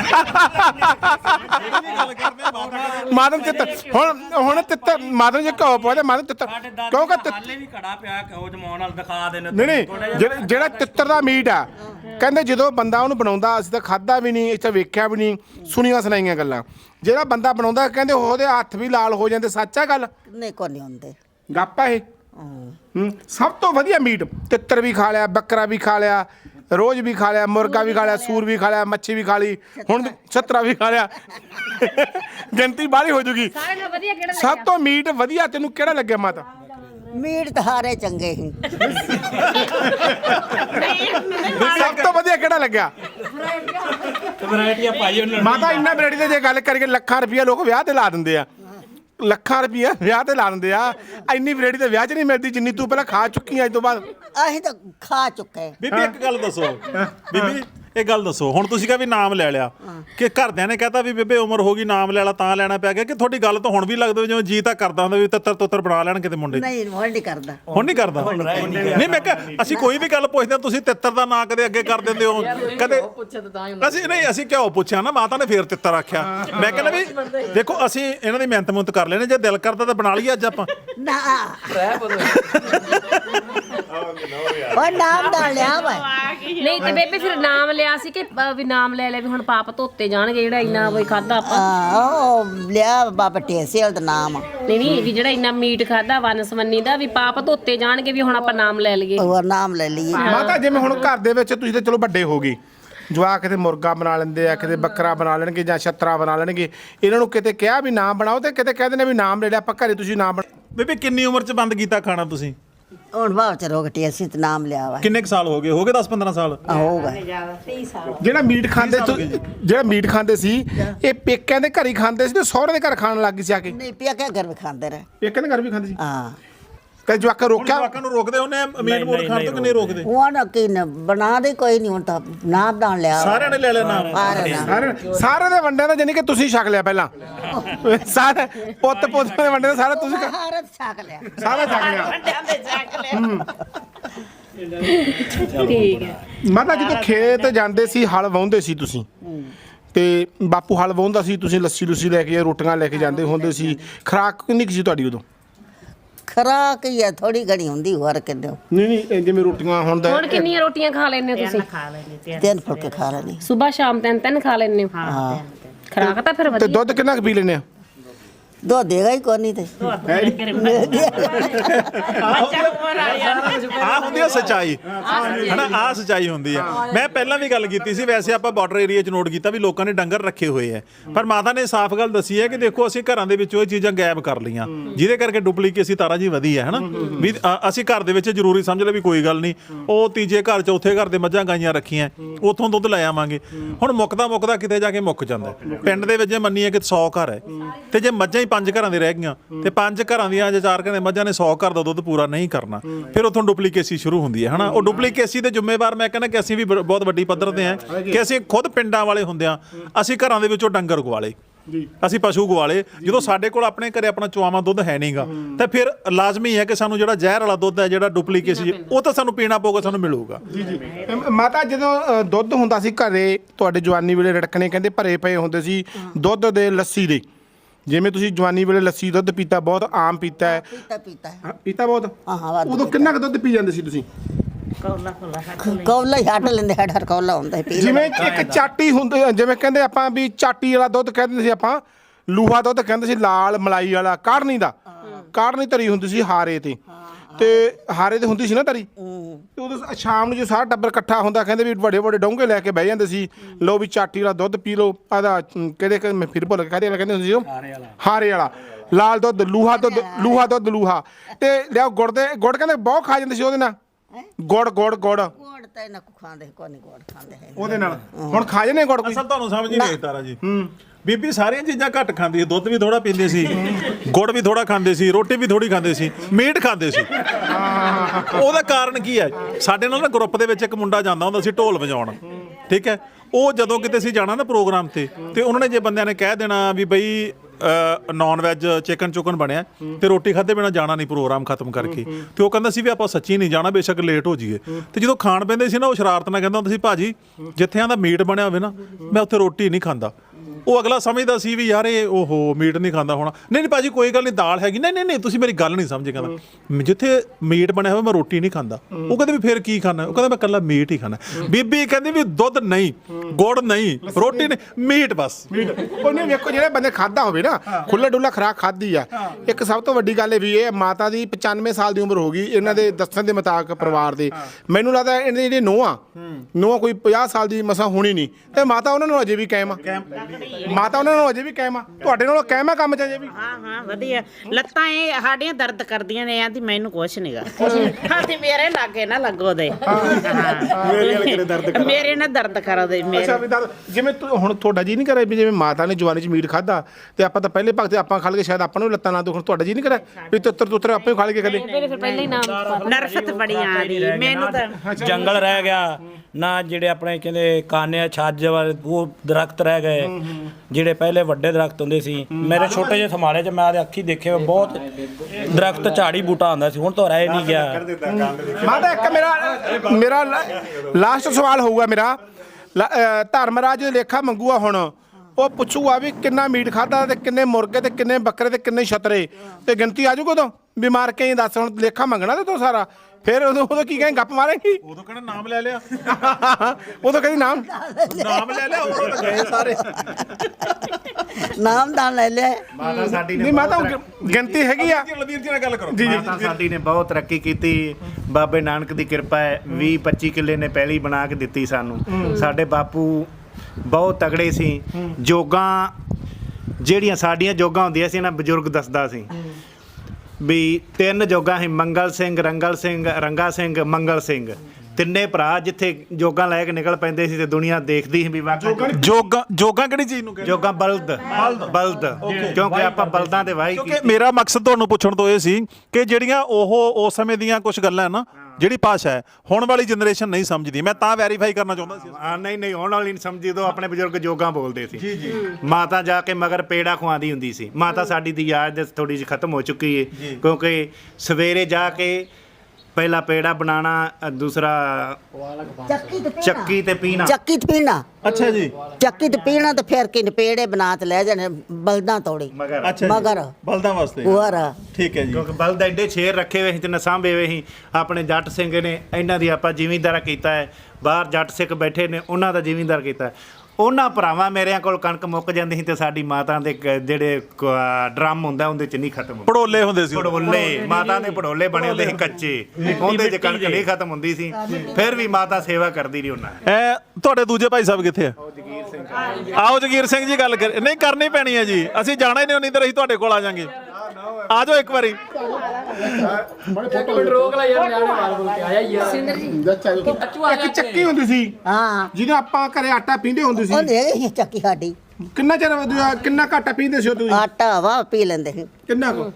ਮਾਦਮ ਤਿੱਤਰ ਹੁਣ ਤਿੱਤਰ ਮਾਦਮ ਜੇ ਘਿਓ ਪਾਉਂਦੇ ਮਾਦਮ ਤਿੱਤਰ ਕਿਉਂਕਿ ਹਾਲੇ ਵੀ ਘੜਾ ਪਿਆ ਕਿਉਂ ਜਮਾਉਣ ਨਾਲ ਦਿਖਾ ਦੇਣ ਨਹੀਂ ਜਿਹੜਾ ਤਿੱਤਰ ਦਾ ਮੀਟ ਆ ਕਹਿੰਦੇ ਜਦੋਂ ਬੰਦਾ ਉਹਨੂੰ ਬਣਾਉਂਦਾ, ਅਸੀਂ ਤਾਂ ਖਾਦਾ ਵੀ ਨਹੀਂ, ਇੱਥੇ ਵੇਖਿਆ ਵੀ ਨਹੀਂ, ਸੁਣੀਆਂ ਸੁਣਾਈਆਂ ਗੱਲਾਂ, ਜਿਹੜਾ ਬੰਦਾ ਬਣਾਉਂਦਾ ਕਹਿੰਦੇ ਉਹਦੇ ਹੱਥ ਵੀ ਲਾਲ ਹੋ ਜਾਂਦੇ, ਸੱਚ ਆ ਗੱਲ? ਨਹੀਂ ਕੋ ਨਹੀਂ ਹੁੰਦੇ ਗੱਪ ਆ ਇਹ? ਸਭ ਤੋਂ ਵਧੀਆ ਮੀਟ ਤਿੱਤਰ ਵੀ ਖਾ ਲਿਆ, ਬੱਕਰਾ ਵੀ ਖਾ ਲਿਆ, ਰੋਜ਼ ਵੀ ਖਾ ਲਿਆ, ਮੁਰਗਾ ਵੀ ਖਾ ਲਿਆ, ਸੂਰ ਵੀ ਖਾ ਲਿਆ, ਮੱਛੀ ਵੀ ਖਾ ਲਈ, ਹੁਣ ਛਤਰਾ ਵੀ ਖਾ ਲਿਆ, ਗਿਣਤੀ ਬਾਹਲੀ ਹੋ ਜੂਗੀ। ਸਾਰਿਆਂ ਨਾਲੋਂ ਵਧੀਆ ਕਿਹੜਾ ਸਭ ਤੋਂ ਮੀਟ ਵਧੀਆ ਤੈਨੂੰ ਕਿਹੜਾ ਲੱਗਿਆ ਮਾਤਾ? ਮੀਟ ਤਾਂ ਹਾਰੇ ਚੰਗੇ ਸੀ ਸਭ ਤੋਂ ਵਧੀਆ ਕਿਹੜਾ ਲੱਗਿਆ ਵੈਰਾਈਟੀਆਂ ਪਾਈ ਉਹਨਾਂ ਮਾਤਾ? ਇੰਨਾ ਵੈਰਾਈਟੀ ਤੇ ਜੇ ਗੱਲ ਕਰੀਏ ਲੱਖਾਂ ਰੁਪਈਆ ਲੋਕ ਵਿਆਹ ਤੇ ਲਾ ਦਿੰਦੇ ਆ, ਲੱਖਾਂ ਰੁਪਈਆ ਵਿਆਹ ਤੇ ਲਾ ਦਿੰਦੇ ਆ, ਇੰਨੀ ਵੈਰਾਈਟੀ ਤੇ ਵਿਆਹ 'ਚ ਨਹੀਂ ਮਿਲਦੀ ਜਿੰਨੀ ਤੂੰ ਪਹਿਲਾਂ ਖਾ ਚੁੱਕੀ ਆ ਅੱਜ ਤੋਂ ਬਾਅਦ। ਅਸੀਂ ਤਾਂ ਖਾ ਚੁੱਕੇ ਬੀਬੀ ਇੱਕ ਗੱਲ ਦੱਸੋ, ਬੀਬੀ ਇਹ ਗੱਲ ਦੱਸੋ, ਹੁਣ ਤੁਸੀਂ ਕਿਹਾ ਵੀ ਨਾਮ ਲੈ ਲਿਆ, ਕਿ ਘਰਦਿਆਂ ਨੇ ਕਹਤਾ ਵੀ ਬੇਬੇ ਉਮਰ ਹੋ ਗਈ ਨਾਮ ਲੈ ਲਾ ਤਾਂ ਲੈਣਾ ਪਿਆ ਗਿਆ, ਕਿ ਤੁਹਾਡੀ ਗੱਲ ਤਾਂ ਹੁਣ ਵੀ ਲੱਗਦਾ ਜਿਵੇਂ ਜੀ ਤਾਂ ਕਰਦਾ ਹੁੰਦਾ ਵੀ ਤਿੱਤਰ ਤੁੱਤਰ ਬਣਾ ਲੈਣ ਕਿਤੇ ਮੁੰਡੇ? ਨਹੀਂ ਹੁਣ ਨਹੀਂ ਕਰਦਾ ਹੁਣ ਨਹੀਂ ਕਰਦਾ? ਨਹੀਂ ਮੈਂ ਕਿਹਾ ਅਸੀਂ ਕੋਈ ਵੀ ਗੱਲ ਪੁੱਛਦੇ ਹਾਂ ਤੁਸੀਂ ਤਿੱਤਰ ਦਾ ਨਾਂ ਕਦੇ ਅੱਗੇ ਕਰ ਦਿੰਦੇ ਹੋ ਕਦੇ? ਅਸੀਂ ਕਿਉਂ ਪੁੱਛਿਆ ਨਾ, ਮਾਤਾ ਨੇ ਫੇਰ ਤਿੱਤਰ ਆਖਿਆ। ਮੈਂ ਕਹਿੰਦਾ ਵੀ ਦੇਖੋ ਅਸੀਂ ਇਹਨਾਂ ਦੀ ਮਿਹਨਤ ਮੁਹਨਤ ਕਰ ਲੈਣੇ, ਜੇ ਦਿਲ ਕਰਦਾ ਤਾਂ ਬਣਾ ਲਈਏ ਅੱਜ ਆਪਾਂ। ਨਾ ਉਹ ਨਾਮ ਦਾ ਲਿਆ ਵਾ ਨਹੀਂ ਤੇ ਬੇਬੇ ਫਿਰ ਨਾਮ ਲਿਆ ਸੀ ਕਿ ਵੀ ਨਾਮ ਲੈ ਵੀ ਹੁਣ ਪਾਪ ਧੋਤੇ ਜਾਣਗੇ ਜਿਹੜਾ ਇੰਨਾ ਕੋਈ ਖਾਦਾ ਆਪਾਂ? ਉਹ ਲਿਆ ਬਾਬਾ ਟੇਸੇਲ ਦਾ ਨਾਮ ਨਹੀਂ ਵੀ ਜਿਹੜਾ ਇੰਨਾ ਮੀਟ ਖਾਦਾ ਵਨਸਵੰਨੀ ਦਾ, ਵੀ ਪਾਪ ਧੋਤੇ ਜਾਣਗੇ ਵੀ ਹੁਣ ਆਪਾਂ ਨਾਮ ਲੈ ਲਈਏ। ਉਹ ਨਾਮ ਲੈ ਲਈਏ ਮਾਤਾ ਜਿਵੇਂ ਹੁਣ ਘਰ ਦੇ ਵਿੱਚ ਤੁਸੀਂ ਤਾਂ ਚਲੋ ਵੱਡੇ ਹੋ ਗਏ, ਜਵਾਕ ਕਿਤੇ ਮੁਰਗਾ ਬਣਾ ਲੈਂਦੇ ਆ, ਕਿਤੇ ਬੱਕਰਾ ਬਣਾ ਲੈਣਗੇ ਜਾਂ ਛਤਰਾ ਬਣਾ ਲੈਣਗੇ, ਇਹਨਾਂ ਨੂੰ ਕਿਤੇ ਕਿਹਾ ਵੀ ਨਾਮ ਬਣਾਓ ਤੇ ਕਿਤੇ ਕਹਿੰਦੇ ਨੇ ਵੀ ਨਾਮ ਲੈ ਲਿਆ ਆਪਾਂ ਘਰੇ, ਤੁਸੀਂ ਨਾਮ ਬੇਬੇ ਕਿੰਨੀ ਉਮਰ 'ਚ ਬੰਦ ਕੀਤਾ ਖਾਣਾ ਤੁਸੀਂ? ਹੁਣ ਬਾਅਦ ਚ ਰੋਗ ਟੇਸੀ ਤੇ ਨਾਮ ਲਿਆ ਵਾ ਕਿੰਨੇ ਕੁ ਸਾਲ ਹੋ ਗਏ 10-15 ਸਾਲ? ਹੋਊਗਾ ਜਿਹੜਾ ਮੀਟ ਖਾਂਦੇ ਜਿਹੜਾ ਮੀਟ ਖਾਂਦੇ ਸੀ ਇਹ ਪੇਕਿਆਂ ਦੇ ਘਰ ਹੀ ਖਾਂਦੇ ਸੀ ਤੇ ਸਹੁਰੇ ਦੇ ਘਰ ਖਾਣ ਲੱਗ ਗਈ ਸੀ ਆ ਕੇ? ਨਹੀਂ ਪਿਆ ਕੇ ਘਰ ਵੀ ਖਾਂਦੇ ਰਹੇ ਪੇਕਿਆਂ ਦੇ ਘਰ ਵੀ ਖਾਂਦੇ ਸੀ? ਹਾਂ ਤੇ ਜਵਾਕਾਂ ਰੋਕਿਆ? ਜਵਾਕਾਂ ਨੂੰ ਰੋਕਦੇ ਉਹਨੇ ਮੀਟ ਮੂਟ ਖਾਣ ਤੋਂ ਕਿ ਨਹੀਂ ਰੋਕਦੇ? ਉਹ ਨਾ ਕੀ ਬਣਾ ਦੇ ਕੋਈ ਨਹੀਂ ਹੁਣ ਤਾਂ ਨਾਮ ਦਾ ਲਿਆ ਵਾ। ਸਾਰਿਆਂ ਨੇ ਲੈ ਲਿਆ ਨਾਮ? ਸਾਰੇ ਦੇ ਵੰਡਿਆਂ ਦਾ ਜਾਨੀ ਕਿ ਤੁਸੀਂ ਛਕ ਲਿਆ ਪਹਿਲਾਂ, ਸਾਰੇ ਪੁੱਤ ਦੇ ਵੰਡੇ ਦਾ ਸਾਰਾ ਤੁਸੀਂ ਹਾਰਤ ਛਕ ਲਿਆ ਸਾਰਾ ਛਕ ਲਿਆ। ਵੱਡਿਆਂ ਦੇ ਛਕ ਲਿਆ ਠੀਕ ਹੈ। ਮਾਤਾ ਜਦੋਂ ਖੇਤ ਜਾਂਦੇ ਸੀ ਹਲ ਵਾਹੁੰਦੇ ਸੀ ਤੁਸੀਂ ਤੇ ਬਾਪੂ ਹਲ ਵਾਹੁੰਦਾ ਸੀ, ਤੁਸੀਂ ਲੱਸੀ ਲੁੱਸੀ ਲੈ ਕੇ ਰੋਟੀਆਂ ਲੈ ਕੇ ਜਾਂਦੇ ਹੁੰਦੇ ਸੀ, ਖੁਰਾਕ ਕਿੰਨੀ ਕੁ ਸੀ ਤੁਹਾਡੀ ਉਦੋਂ? ਖਰਾਕ ਹੀ ਆ ਥੋੜੀ ਘਣੀ ਹੁੰਦੀ ਹੋਰ ਕਿੰਨੇ ਨਹੀਂ ਜਿਵੇਂ ਰੋਟੀਆਂ ਹੁੰਦਾ ਹੁਣ ਕਿੰਨੀਆਂ ਰੋਟੀਆਂ ਖਾ ਲੈਂਦੇ ਹੋ ਤੁਸੀਂ? ਖਾ ਲੈਣੀ ਤਿੰਨ ਫੁਲਕੇ ਖਾ ਲੈਣੀ ਸਵੇਰ ਸ਼ਾਮ ਤਿੰਨ ਖਾ ਲੈਂਦੇ ਹੋ? ਹਾਂ ਖਰਾਕ ਤਾਂ ਫਿਰ ਤੇ ਵਧੀਆ। ਦੁੱਧ ਕਿੰਨਾ ਕੁ ਪੀ ਲੈਂਦੇ ਆ? ਦੋ ਦੇਗਾ ਹੀ ਕੋਈ ਨਹੀਂ ਤੇ ਆ ਹੁੰਦੀ ਆ ਸੱਚਾਈ, ਹਨਾ? ਆ ਸੱਚਾਈ ਹੁੰਦੀ ਆ। ਮੈਂ ਪਹਿਲਾਂ ਵੀ ਗੱਲ ਕੀਤੀ ਸੀ, ਵੈਸੇ ਆਪਾਂ ਬਾਰਡਰ ਏਰੀਆ 'ਚ ਨੋਟ ਕੀਤਾ ਵੀ ਲੋਕਾਂ ਨੇ ਡੰਗਰ ਰੱਖੇ ਹੋਏ ਆ, ਪਰ ਮਾਤਾ ਨੇ ਸਾਫ਼ ਗੱਲ ਦੱਸੀ ਹੈ ਕਿ ਦੇਖੋ ਅਸੀਂ ਘਰਾਂ ਦੇ ਵਿੱਚੋਂ ਇਹ ਚੀਜ਼ਾਂ ਗਾਇਬ ਕਰ ਲਈਆਂ, ਜਿਹਦੇ ਕਰਕੇ ਡੁਪਲੀਕੇਸੀ ਤਾਰਾ ਜੀ ਵਧੀ ਹੈ, ਹਨਾ? ਵੀ ਅਸੀਂ ਘਰ ਦੇ ਵਿੱਚ ਜ਼ਰੂਰੀ ਸਮਝ ਲਿਆ ਵੀ ਕੋਈ ਗੱਲ ਨਹੀਂ, ਉਹ ਤੀਜੇ ਘਰ ਚੌਥੇ ਘਰ ਦੇ ਮੱਝਾਂ ਗਾਈਆਂ ਰੱਖੀਆਂ, ਉੱਥੋਂ ਦੁੱਧ ਲੈ ਆਵਾਂਗੇ। ਹੁਣ ਮੁੱਕਦਾ ਕਿਤੇ ਜਾ ਕੇ ਮੁੱਕ ਜਾਂਦਾ। ਪਿੰਡ ਦੇ ਵਿੱਚ ਜੇ ਮੰਨੀਏ ਕਿ 100 ਘਰ ਹੈ ਤੇ ਜੇ ਮੱਝਾਂ ਹੀ 5 ਘਰਾਂ ਦੇ ਰਹਿ ਗਈਆਂ ਤੇ 5 ਘਰਾਂ ਦੀਆਂ ਜਾਂ 4 ਘਰਾਂ ਦੇ ਮੱਝਾਂ ਨੇ 100 ਘਰ ਦਾ ਦੁੱਧ ਪੂਰਾ ਨਹੀਂ ਕਰਨਾ, ਫਿਰ ਉੱਥੋਂ ਡੁਪਲੀਕੇਸੀ ਸ਼ੁਰੂ ਹੁੰਦੀ ਹੈ, ਹਨਾ? ਉਹ ਡੁਪਲੀਕੇਸੀ ਦੇ ਜ਼ਿੰਮੇਵਾਰ ਮੈਂ ਕਹਿੰਦਾ ਕਿ ਅਸੀਂ ਵੀ ਬਹੁਤ ਵੱਡੀ ਪੱਧਰ ਤੇ ਹਾਂ, ਕਿ ਅਸੀਂ ਖੁਦ ਪਿੰਡਾਂ ਵਾਲੇ ਹੁੰਦੇ ਹਾਂ, ਅਸੀਂ ਘਰਾਂ ਦੇ ਵਿੱਚੋਂ ਡੰਗਰ ਗਵਾਲੇ, ਅਸੀਂ ਪਸ਼ੂ ਗਵਾਲੇ, ਜਦੋਂ ਸਾਡੇ ਕੋਲ ਆਪਣੇ ਘਰੇ ਆਪਣਾ ਚੁਆਵਾਂ ਦੁੱਧ ਹੈ ਨਹੀਂਗਾ ਤਾਂ ਫਿਰ ਲਾਜ਼ਮੀ ਹੈ ਕਿ ਸਾਨੂੰ ਜਿਹੜਾ ਜ਼ਹਿਰ ਵਾਲਾ ਦੁੱਧ ਹੈ, ਜਿਹੜਾ ਡੁਪਲੀਕੇਸੀ, ਉਹ ਤਾਂ ਸਾਨੂੰ ਪੀਣਾ ਪਊਗਾ, ਸਾਨੂੰ ਮਿਲੂਗਾ। ਮਾਤਾ ਜਦੋਂ ਦੁੱਧ ਹੁੰਦਾ ਸੀ ਘਰੇ ਤੁਹਾਡੇ ਜਵਾਨੀ ਵੇਲੇ ਰੜਕਣੇ ਕਹਿੰਦੇ ਭਰੇ ਪਏ ਹੁੰਦੇ ਸੀ ਦੁੱਧ ਦੇ, ਲੱਸੀ ਦੇ, ਜਿਵੇਂ ਤੁਸੀਂ ਜਵਾਨੀ ਵੇਲੇ ਲੱਸੀ ਦੁੱਧ ਪੀਤਾ, ਬਹੁਤ ਆਮ ਪੀਤਾ ਹੈ, ਪੀਤਾ ਬਹੁਤ, ਉਦੋਂ ਕਿੰਨਾ ਕੁ ਦੁੱਧ ਪੀ ਜਾਂਦੇ ਸੀ ਤੁਸੀਂ? ਕੌਲਾ ਹੀ ਹੱਟ ਲੈਂਦੇ ਹੱਡ ਕੌਲਾ ਹੁੰਦਾ ਸੀ ਜਿਵੇਂ ਇੱਕ ਚਾਟੀ ਹੁੰਦੀ, ਜਿਵੇਂ ਕਹਿੰਦੇ ਆਪਾਂ ਵੀ ਚਾਟੀ ਵਾਲਾ ਦੁੱਧ ਕਹਿੰਦੇ ਸੀ ਆਪਾਂ, ਲੂਹਾ ਦੁੱਧ ਕਹਿੰਦੇ ਸੀ, ਲਾਲ ਮਲਾਈ ਵਾਲਾ, ਕਾੜਨੀ ਦਾ, ਕਾੜਨੀ ਧਰੀ ਹੁੰਦੀ ਸੀ ਹਾਰੇ ਤੇ ਹਾਰੇ ਤੇ ਹੁੰਦੀ ਸੀ ਨਾ ਧਰੀ, ਤੇ ਉਦੋਂ ਸ਼ਾਮ ਨੂੰ ਜੋ ਸਾਰਾ ਟੱਬਰ ਇਕੱਠਾ ਹੁੰਦਾ ਕਹਿੰਦੇ ਵੀ ਵੱਡੇ ਵੱਡੇ ਡੋਂਗੇ ਲੈ ਕੇ ਬਹਿ ਜਾਂਦੇ ਸੀ, ਲਓ ਵੀ ਚਾਟੀ ਵਾਲਾ ਦੁੱਧ ਪੀ ਲਓ, ਆਦਾ ਕਿਹਦੇ ਮੈਂ ਫਿਰ ਭੁੱਲ ਕਾਹਦੇ ਵਾਲਾ ਕਹਿੰਦੇ ਹੁੰਦੇ ਸੀ ਉਹ, ਹਾਰੇ ਵਾਲਾ ਲਾਲ ਦੁੱਧ, ਲੂਹਾ ਤੇ ਲਿਆਓ ਗੁੜ ਕਹਿੰਦੇ ਬਹੁਤ ਖਾ ਜਾਂਦੇ ਸੀ ਉਹਦੇ ਨਾਲ, ਗੁੜ ਗੁੜ ਗੁੜ ਗੋੜ ਤਾਂ ਇਹਨਾਂ ਕੋ ਖਾਂਦੇ ਕੋਈ ਨਹੀਂ ਗੋੜ ਖਾਂਦੇ ਹੈ ਉਹਦੇ ਨਾਲ ਹੁਣ ਖਾ ਜਨੇ ਗੁੜ ਕੋਈ ਅਸਲ ਤੁਹਾਨੂੰ ਸਮਝ ਹੀ ਨਹੀਂ ਤਾਰਾ ਜੀ ਬੀਬੀ ਸਾਰੀਆਂ ਚੀਜ਼ਾਂ ਘੱਟ ਖਾਂਦੀ ਸੀ ਦੁੱਧ ਵੀ ਥੋੜਾ ਪੀਂਦੇ ਸੀ ਗੁੜ ਵੀ ਥੋੜਾ ਖਾਂਦੇ ਸੀ ਰੋਟੀ ਵੀ ਥੋੜੀ ਖਾਂਦੇ ਸੀ ਮੀਟ ਖਾਂਦੇ ਸੀ ਉਹਦਾ ਕਾਰਨ ਕੀ ਹੈ ਸਾਡੇ ਨਾਲ ਨਾ ਗਰੁੱਪ ਦੇ ਵਿੱਚ ਇੱਕ ਮੁੰਡਾ ਜਾਂਦਾ ਹੁੰਦਾ ਸੀ ਢੋਲ ਵਜਾਉਣ ਠੀਕ ਹੈ ਉਹ ਜਦੋਂ ਕਿਤੇ ਸੀ ਜਾਣਾ ਨਾ ਪ੍ਰੋਗਰਾਮ ਤੇ ਉਹਨਾਂ ਨੇ ਜੇ ਬੰਦਿਆਂ ਨੇ ਕਹਿ ਦੇਣਾ ਵੀ ਬਈ ਨਾਨ ਵੈਜ ਚਿਕਨ ਚੁਕਨ ਬਣਿਆ ਤੇ ਰੋਟੀ ਖਾਦੇ ਬਿਨਾ ਜਾਣਾ ਨਹੀਂ ਪ੍ਰੋਗਰਾਮ ਖਤਮ ਕਰਕੇ ਤੇ ਉਹ ਕਹਿੰਦਾ ਸੀ ਵੀ ਆਪਾਂ ਸੱਚੀ ਨਹੀਂ ਜਾਣਾ ਬੇਸ਼ੱਕ ਲੇਟ ਹੋ ਜਾਈਏ ਤੇ ਜਦੋਂ ਖਾਣ ਪੈਂਦੇ ਸੀ ਨਾ ਉਹ ਸ਼ਰਾਰਤ ਨਾਲ ਕਹਿੰਦਾ ਹੁੰਦਾ ਸੀ ਭਾਜੀ ਜਿੱਥੇ ਆਂਦਾ ਮੀਟ ਬਣਿਆ ਹੋਵੇ ਨਾ ਮੈਂ ਉੱਥੇ ਰੋਟੀ ਨਹੀਂ ਖਾਂਦਾ ਉਹ ਅਗਲਾ ਸਮਝਦਾ ਸੀ ਵੀ ਯਾਰ ਇਹ ਓਹੋ ਮੀਟ ਨਹੀਂ ਖਾਂਦਾ ਹੋਣਾ ਨਹੀਂ ਭਾਜੀ ਕੋਈ ਗੱਲ ਨਹੀਂ ਦਾਲ ਹੈਗੀ ਨਹੀਂ ਤੁਸੀਂ ਮੇਰੀ ਗੱਲ ਨਹੀਂ ਸਮਝੇ ਕਹਿੰਦਾ ਜਿੱਥੇ ਮੀਟ ਬਣਿਆ ਹੋਵੇ ਮੈਂ ਰੋਟੀ ਨਹੀਂ ਖਾਂਦਾ ਉਹ ਕਹਿੰਦੇ ਵੀ ਫਿਰ ਕੀ ਖਾਣਾ ਉਹ ਕਹਿੰਦਾ ਮੈਂ ਇਕੱਲਾ ਮੀਟ ਹੀ ਖਾਣਾ ਬੀਬੀ ਕਹਿੰਦੀ ਵੀ ਦੁੱਧ ਨਹੀਂ ਗੁੜ ਨਹੀਂ ਰੋਟੀ ਨਹੀਂ ਮੀਟ ਬਸ ਉਹਨੇ ਵੇਖੋ ਜਿਹੜੇ ਬੰਦੇ ਖਾਦਾ ਹੋਵੇ ਨਾ ਖੁੱਲਾ ਡੁੱਲਾ ਖਰਾਕ ਖਾਦੀ ਆ ਇੱਕ ਸਭ ਤੋਂ ਵੱਡੀ ਗੱਲ ਇਹ ਵੀ ਇਹ ਮਾਤਾ ਦੀ 95 ਸਾਲ ਦੀ ਉਮਰ ਹੋ ਗਈ ਇਹਨਾਂ ਦੇ ਦੱਸਣ ਦੇ ਮੁਤਾਬਕ ਪਰਿਵਾਰ ਦੇ ਮੈਨੂੰ ਲੱਗਦਾ ਇਹਨਾਂ ਦੀ ਜਿਹੜੀ ਨੂੰਹਾਂ ਕੋਈ 50 ਸਾਲ ਦੀ ਮਸਾਂ ਹੋਣੀ ਨਹੀਂ ਤੇ ਮਾਤਾ ਉਹਨਾਂ ਨੂੰ ਅਜੇ ਵੀ ਕਾਇਮ ਆ ਮਾਤਾ ਉਹਨਾਂ ਨੂੰ ਅਜੇ ਵੀ ਕਾਇਮ ਆ ਤੁਹਾਡੇ ਨਾਲੋਂ ਕਾਇਮ ਆ ਕੰਮ ਚ ਅਜੇ ਵੀ ਹਾਂ ਵਧੀਆ ਲੱਤਾਂ ਇਹ ਸਾਡੀਆਂ ਦਰਦ ਕਰਦੀਆਂ ਨੇ ਆਂਦੀ ਮੈਨੂੰ ਕੁਛ ਨਹੀਂਗਾ ਹਾਥੀ ਮੇਰੇ ਲਾਗੇ ਨਾ ਲੱਗੋ ਦੇ ਮੇਰੇ ਨਾਲ ਦਰਦ ਕਰੋ ਦੇ ਅੱਛਾ ਵੀ ਜਿਵੇਂ ਹੁਣ ਤੁਹਾਡਾ ਜੀ ਨਹੀਂ ਕਰਿਆ ਵੀ ਜਿਵੇਂ ਮਾਤਾ ਨੇ ਜਵਾਨੀ ਚ ਮੀਟ ਖਾਦਾ ਤੇ ਆਪਾਂ ਤਾਂ ਪਹਿਲੇ ਭਗਤ ਆਪਾਂ ਖਾ ਲਏ ਸ਼ਾਇਦ ਆਪਾਂ ਨੂੰ ਲੱਤਾਂ ਨਾ ਦੁਖਣ ਤੁਹਾਡਾ ਜੀ ਨਹੀਂ ਕਰਿਆ ਵੀ ਤੁੱਤਰ ਆਪੇ ਖਾ ਲਏ ਕਦੇ ਫਿਰ ਪਹਿਲਾਂ ਹੀ ਨਾਮ ਨਰਫਤ ਬੜੀ ਆਦੀ ਮੈਨੂੰ ਤਾਂ ਜੰਗਲ ਰਹਿ ਗਿਆ ਨਾ ਜਿਹੜੇ ਆਪਣੇ ਕਹਿੰਦੇ ਕਾਨੇ ਛੱਜ ਵਾਲੇ ਉਹ ਦਰਖਤ ਰਹਿ ਗਏ ਜਿਹੜੇ ਪਹਿਲੇ ਵੱਡੇ ਦਰਖਤ ਹੁੰਦੇ ਸੀ ਮੇਰੇ ਛੋਟੇ ਜਿਹੇ ਥਮਾਲੇ 'ਚ ਮੈਂ ਆਦੇ ਅੱਖੀ ਦੇਖੇ ਬਹੁਤ ਦਰਖਤ ਝਾੜੀ ਬੂਟਾ ਹੁੰਦਾ ਸੀ ਹੁਣ ਤਾਂ ਰਹਿ ਨਹੀਂ ਗਿਆ ਮਾਤਾ ਇੱਕ ਮੇਰਾ ਲਾਸਟ ਸਵਾਲ ਹੋਊਗਾ ਮੇਰਾ ਧਰਮਰਾਜ ਲੇਖਾ ਮੰਗੂਆ ਹੁਣ ਉਹ ਪੁੱਛੂਗਾ ਵੀ ਕਿੰਨਾ ਮੀਟ ਖਾਦਾ ਤੇ ਕਿੰਨੇ ਮੁਰਗੇ ਤੇ ਕਿੰਨੇ ਬੱਕਰੇ ਤੇ ਕਿੰਨੇ ਛਤਰੇ ਤੇ ਗਿਣਤੀ ਆ ਜੂਗਾ ਉਦੋਂ ਵੀ ਮਾਰ ਕੇ ਹੀ ਦੱਸ ਹੁਣ ਲੇਖਾ ਮੰਗਣਾ ਤੇ ਤੂੰ ਸਾਰਾ ਫਿਰ ਉਦੋਂ ਕੀ ਕਹੇ ਗੱਪ ਮਾਰੇਂਗੀ ਉਦੋਂ ਕਹਿੰਦਾ ਨਾਮ ਲੈ ਲਿਆ ਉਦੋਂ ਕਹਿੰਦੀ ਨਾਮ ਲੈ ਲਿਆ ਉਦੋਂ ਤਾਂ ਗਏ ਸਾਰੇ ਨਾਮਦਾਨ ਲੈ ਲਿਆ ਮਾਤਾ ਸਾਡੀ ਨਹੀਂ ਮਾਤਾ ਗਿਣਤੀ ਹੈਗੀ ਆ ਲਵੀਰ ਜੀ ਨਾਲ ਗੱਲ ਕਰੋ ਮਾਤਾ ਸਾਡੀ ਨੇ ਬਹੁਤ ਤਰੱਕੀ ਕੀਤੀ ਬਾਬੇ ਨਾਨਕ ਦੀ ਕਿਰਪਾ ਹੈ 20-25 ਕਿੱਲੇ ਨੇ ਪਹਿਲੀ ਬਣਾ ਕੇ ਦਿੱਤੀ ਸਾਨੂੰ ਸਾਡੇ ਬਾਪੂ ਬਹੁਤ ਤਗੜੇ ਸੀ ਜੋਗਾਂ ਜਿਹੜੀਆਂ ਸਾਡੀਆਂ ਜੋਗਾਂ ਹੁੰਦੀਆਂ ਸੀ ਨਾ ਬਜ਼ੁਰਗ ਦੱਸਦਾ ਸੀ ਵੀ 3 ਜੋਗਾਂ ਸੀ ਮੰਗਲ ਸਿੰਘ ਰੰਗਾ ਸਿੰਘ ਮੰਗਲ ਸਿੰਘ ਤਿੰਨੇ ਭਰਾ ਜਿੱਥੇ ਜੋਗਾਂ ਲੈ ਕੇ ਨਿਕਲ ਪੈਂਦੇ ਸੀ ਤੇ ਦੁਨੀਆ ਦੇਖਦੀ ਸੀ ਵੀ ਵਾਕਈ ਜੋਗਾਂ ਕਿਹੜੀ ਚੀਜ਼ ਨੂੰ ਕਹਿੰਦੇ ਜੋਗਾਂ ਬਲਦ ਕਿਉਂਕਿ ਆਪਾਂ ਬਲਦਾਂ ਤੇ ਵਾਹੀ ਕਿਉਂਕਿ ਮੇਰਾ ਮਕਸਦ ਤੁਹਾਨੂੰ ਪੁੱਛਣ ਤੋਂ ਇਹ ਸੀ ਕਿ ਜਿਹੜੀਆਂ ਉਸ ਸਮੇਂ ਦੀਆਂ ਕੁਝ ਗੱਲਾਂ ਨਾ ਜਿਹੜੀ ਭਾਸ਼ਾ ਹੈ ਹੁਣ ਵਾਲੀ ਜਨਰੇਸ਼ਨ ਨਹੀਂ ਸਮਝਦੀ ਮੈਂ ਤਾਂ ਵੈਰੀਫਾਈ ਕਰਨਾ ਚਾਹੁੰਦਾ ਸੀ ਨਹੀਂ ਹੁਣ ਵਾਲੀ ਨਹੀਂ ਸਮਝੀ ਦੋ ਆਪਣੇ ਬਜ਼ੁਰਗ ਜੋਗਾਂ ਬੋਲਦੇ ਸੀ ਜੀ ਮਾਤਾ ਜਾ ਕੇ ਮਗਰ ਪੇੜਾ ਖਵਾਉਂਦੀ ਹੁੰਦੀ ਸੀ ਮਾਤਾ ਸਾਡੀ ਦੀ ਯਾਦ ਥੋੜੀ ਜਿਹੀ ਖਤਮ ਹੋ ਚੁੱਕੀ ਹੈ ਕਿਉਂਕਿ ਸਵੇਰੇ ਜਾ ਕੇ ਪਹਿਲਾ ਪੇੜਾ ਬਣਾਉਣਾ ਦੂਸਰਾ ਚੱਕੀ ਤੇ ਪੀਣਾ ਅੱਛਾ ਜੀ ਚੱਕੀ ਤੇ ਪੀਣਾ ਤੇ ਫਿਰ ਕਿ ਪੇੜੇ ਬਣਾ ਤੇ ਲੈ ਜਾਣੇ ਬਲਦਾਂ ਤੋੜੀ ਮਗਰ ਬਲਦਾਂ ਵਾਸਤੇ ਹੋਰ ਠੀਕ ਹੈ ਜੀ ਕਿਉਂਕਿ ਬਲਦ ਐਡੇ ਸ਼ੇਰ ਰੱਖੇ ਹੋਏ ਸੀ ਤੇ ਨਸਾਂਭੇ ਹੋਏ ਸੀ ਆਪਣੇ ਜੱਟ ਸਿੰਘ ਨੇ ਇਹਨਾਂ ਦੀ ਆਪਾਂ ਜ਼ਿਮੀਂਦਾਰ ਕੀਤਾ ਹੈ ਬਾਹਰ ਜੱਟ ਸਿੱਖ ਬੈਠੇ ਨੇ ਉਹਨਾਂ ਦਾ ਜ਼ਿਮੀਂਦਾਰ ਕੀਤਾ ਉਹਨਾਂ ਭਰਾਵਾਂ ਮੇਰਿਆਂ ਕੋਲ ਕਣਕ ਮੁੱਕ ਜਾਂਦੀ ਸੀ ਤੇ ਸਾਡੀ ਮਾਤਾ ਦੇ ਜਿਹੜੇ ਡਰਮ ਹੁੰਦਾ ਉਹਦੇ ਚ ਨਹੀਂ ਖਤਮ ਪੜੋਲੇ ਹੁੰਦੇ ਸੀ ਪੜੋਲੇ ਮਾਤਾ ਦੇ ਪੜੋਲੇ ਬਣੇ ਹੁੰਦੇ ਸੀ ਕੱਚੇ ਉਹਦੇ ਚ ਕਣਕ ਨਹੀਂ ਖਤਮ ਹੁੰਦੀ ਸੀ ਫਿਰ ਵੀ ਮਾਤਾ ਸੇਵਾ ਕਰਦੀ ਰਹੀ ਉਹਨਾਂ ਤੁਹਾਡੇ ਦੂਜੇ ਭਾਈ ਸਾਹਿਬ ਕਿੱਥੇ ਆ ਆਓ ਜਗੀਰ ਸਿੰਘ ਜੀ ਗੱਲ ਕਰ ਨਹੀਂ ਕਰਨੀ ਪੈਣੀ ਹੈ ਜੀ ਅਸੀਂ ਜਾਣਾ ਹੀ ਨਹੀਂ ਉਨੀ ਦੇਰ ਅਸੀਂ ਤੁਹਾਡੇ ਕੋਲ ਆ ਜਾਾਂਗੇ ਆ ਜਾਓ ਇੱਕ ਵਾਰੀ ਇੱਕ ਚੱਕੀ ਹੁੰਦੀ ਸੀ ਹਾਂ ਜਿਹਨੂੰ ਆਪਾਂ ਘਰੇ ਆਟਾ ਪੀਂਦੇ ਹੁੰਦੇ ਸੀ ਉਹਦੇ ਇਹ ਚੱਕੀ ਸਾਡੀ ਕਿੰਨਾ ਚਿਰ ਕਿੰਨਾ ਘਾਟਾ ਪੀਂਦੇ ਸੀ ਤੁਸੀਂ ਆਟਾ ਵਾ ਪੀ ਲੈਂਦੇ ਸੀ ਕਿੰਨਾ ਕੁ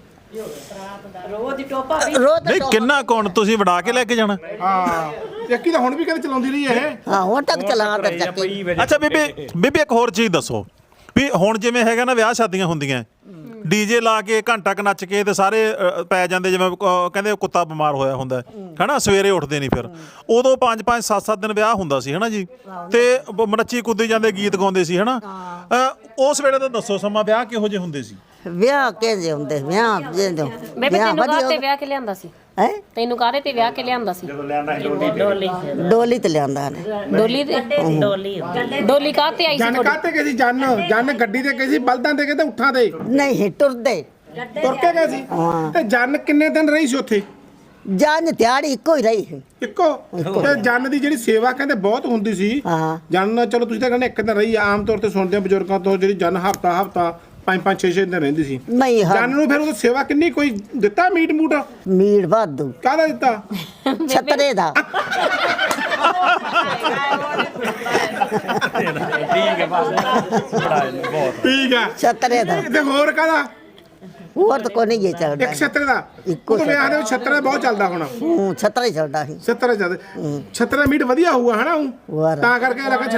ਰੋਜ਼ ਨਹੀਂ ਕਿੰਨਾ ਕੌਣ ਤੁਸੀਂ ਵੜਾ ਕੇ ਲੈ ਕੇ ਜਾਣਾ ਹਾਂ ਚੱਕੀ ਤਾਂ ਹੁਣ ਵੀ ਕਦੇ ਚਲਾਉਂਦੀ ਰਹੀ ਇਹ ਹਾਂ ਹੁਣ ਤੱਕ ਚਲਾਉਂਦੇ ਚੱਕੀ ਅੱਛਾ ਬੀਬੀ ਇੱਕ ਹੋਰ ਚੀਜ਼ ਦੱਸੋ ਵੀ ਹੁਣ ਜਿਵੇਂ ਹੈਗਾ ਨਾ ਵਿਆਹ ਸ਼ਾਦੀਆਂ ਹੁੰਦੀਆਂ ਡੀਜੇ ਲਾ ਕੇ ਘੰਟਾ ਕ ਨੱਚ ਕੇ ਤੇ ਸਾਰੇ ਪੈ ਜਾਂਦੇ ਜਿਵੇਂ ਕਹਿੰਦੇ ਕੁੱਤਾ ਬਿਮਾਰ ਹੋਇਆ ਹੁੰਦਾ ਹੈਨਾ ਸਵੇਰੇ ਉੱਠਦੇ ਨਹੀਂ ਫਿਰ ਉਦੋਂ 5-5 7-7 ਦਿਨ ਵਿਆਹ ਹੁੰਦਾ ਸੀ ਹੈਨਾ ਜੀ ਤੇ ਨੱਚੀ ਕੁੱਦੀ ਜਾਂਦੇ ਗੀਤ ਗਾਉਂਦੇ ਸੀ ਹੈਨਾ ਉਸ ਵੇਲੇ ਤਾਂ ਦੱਸੋ ਸਮਾਂ ਵਿਆਹ ਕਿਹੋ ਜਿਹੇ ਹੁੰਦੇ ਸੀ ਵਿਆਹ ਕਿਹਦੇ ਹੁੰਦੇ ਵਿਆਹ ਜਿਹਦੇ ਮੈਂ ਤੈਨੂੰ ਕਾਹਤੇ ਵਿਆਹ ਕੇ ਲਿਆਂਦਾ ਸੀ ਹੈ ਤੈਨੂੰ ਕਾਹਦੇ ਤੇ ਵਿਆਹ ਕੇ ਲਿਆਂਦਾ ਸੀ ਡੋਲੀ ਤੇ ਲਿਆਂਦਾ ਨੇ ਡੋਲੀ ਕਾਹਤੇ ਆਈ ਸੀ ਜਨ ਕਾਤੇ ਗਏ ਸੀ ਜਨ ਗੱਡੀ ਤੇ ਗਏ ਸੀ ਬਲਦਾਂ ਤੇ ਗਏ ਤੇ ਉੱਠਾਂ ਤੇ ਨਹੀਂ ਟੁਰਦੇ ਤੁਰ ਕੇ ਗਏ ਸੀ ਤੇ ਜਨ ਕਿੰਨੇ ਦਿਨ ਰਹੀ ਸੀ ਉੱਥੇ ਜਾਨ ਦਿਹਾੜੀ ਇੱਕੋ ਹੀ ਰਹੀ ਇੱਕੋ ਤੇ ਜਨ ਦੀ ਜਿਹੜੀ ਸੇਵਾ ਕਹਿੰਦੇ ਬਹੁਤ ਹੁੰਦੀ ਸੀ ਹਾਂ ਜਨ ਚਲੋ ਤੁਸੀਂ ਤਾਂ ਕਹਿੰਦੇ ਇੱਕ ਦਿਨ ਰਹੀ ਆਮ ਤੌਰ ਤੇ ਸੁਣਦੇ ਆ ਬਜ਼ੁਰਗਾਂ ਤੋਂ ਜਿਹੜੀ ਜਨ ਹਫਤਾ 5 6 ਦਿਨ ਰਹਿੰਦੀ ਸੀ ਨਹੀਂ ਜਾਨ ਨੂੰ ਫਿਰ ਉਹ ਸੇਵਾ ਕਿੰਨੀ ਕੋਈ ਦਿੱਤਾ ਮੀਟ ਮੂਟ ਮੀਟ ਵਾਧੂ ਕਾਹਦਾ ਦਿੱਤਾ ਛਤਰੇ ਦਾ ਠੀਕ ਹੈ ਬਸ ਬੜਾ ਬਹੁਤ ਠੀਕ ਆ ਛਤਰੇ ਦਾ ਤੇ ਹੋਰ ਕਾਹਦਾ ਹੋਰ ਤਾਂ ਕੋਈ ਨਹੀਂ ਇਹ ਚੱਲਦਾ ਇੱਕ ਛਤਰੇ ਦਾ ਇੱਕੋ ਉਹ ਵਿਆਹ ਦੇ ਵਿੱਚ ਛਤਰਾ ਬਹੁਤ ਚੱਲਦਾ ਹੁਣ ਛਤਰਾ ਹੀ ਚੱਲਦਾ ਸੀ ਛਤਰਾ ਜ਼ਿਆਦਾ ਛਤਰਾ ਮੀਟ ਵਧੀਆ ਹੋਊਗਾ ਹਨਾ ਹੋਰ। ਤਾਂ ਕਰਕੇ ਲੱਗਾ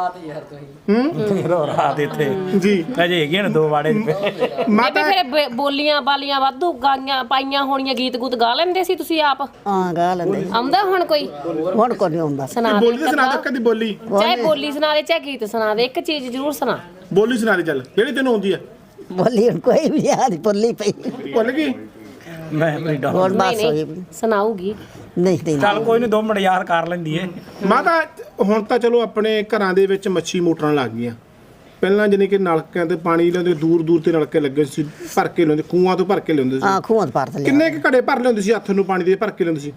ਰਾਤ ਇੱਥੇ ਜੀ ਅਜੇ ਹੈਗੇ ਨੇ 2 ਵਾੜੇ ਮਾਤਾ ਬੇਬੇ ਫਿਰ ਬੋਲੀਆਂ ਬਾਲੀਆਂ ਵਾਧੂ ਗਾਈਆਂ ਪਾਈਆਂ ਹੋਣੀਆਂ ਗੀਤ ਗੂਤ ਗਾ ਲੈਂਦੇ ਸੀ ਤੁਸੀਂ ਆਪ ਹਾਂ ਗਾ ਲੈਂਦੇ ਆਉਂਦਾ ਹੁਣ ਕੋਈ ਹੁਣ ਕੋਈ ਨਹੀਂ ਆਉਂਦਾ ਸੁਣਾ ਦੇ ਬੋਲੀ ਤਾਂ ਸੁਣਾ ਦੇ ਕਦੀ ਬੋਲੀ ਚਾਹੇ ਬੋਲੀ ਸੁਣਾ ਦੇ ਚਾਹੇ ਗੀਤ ਸੁਣਾ ਦੇ ਇੱਕ ਚੀਜ਼ ਜ਼ਰੂਰ ਸੁਣਾ ਬੋਲੀ ਸੁਣਾ ਦੇ ਚੱਲ ਜਿਹੜੀ ਤੈਨੂੰ ਆਉਂਦੀ ਆ ਬੋਲੀ ਹੁਣ ਕੋਈ ਵੀ ਯਾਦ ਭੁੱਲੀ ਪਈ ਭੁੱਲ ਗਈ ਮੈਂ ਆਪਣੀ ਡਾਕ ਹੁਣ ਬਸ ਨਹੀਂ ਹੋਈ ਨਹੀਂ ਸੁਣਾਊਗੀ ਨਹੀਂ ਨਹੀਂ ਚੱਲ ਕੋਈ ਨਹੀਂ 2 ਮਿੰਟ ਯਾਦ ਕਰ ਲੈਂਦੀ ਏ ਮਾਤਾ ਹੁਣ ਤਾਂ ਚਲੋ ਆਪਣੇ ਘਰਾਂ ਦੇ ਵਿੱਚ ਮੱਛੀ ਮੋਟਰਾਂ ਲੱਗ ਗਈਆਂ ਪਹਿਲਾਂ ਜਾਨੀ ਕਿ ਨਲਕਿਆਂ ਤੇ ਪਾਣੀ ਲਿਆਉਂਦੇ ਦੂਰ ਦੂਰ ਤੇ ਨਲਕੇ ਲੱਗੇ ਸੀ ਭਰ ਕੇ ਲਿਆਉਂਦੇ ਖੂਹਾਂ ਤੋਂ ਭਰ ਕੇ ਲਿਆਉਂਦੇ ਸੀ ਹਾਂ ਖੂਹਾਂ ਤੋਂ ਭਰ ਲਿਆ ਕਿੰਨੇ ਕੁ ਘੜੇ ਭਰ ਲਿਆਉਂਦੇ ਸੀ ਹੱਥ ਨੂੰ ਪਾਣੀ ਦੇ ਭਰ ਕੇ ਲਿਆਉਂਦੇ ਸੀ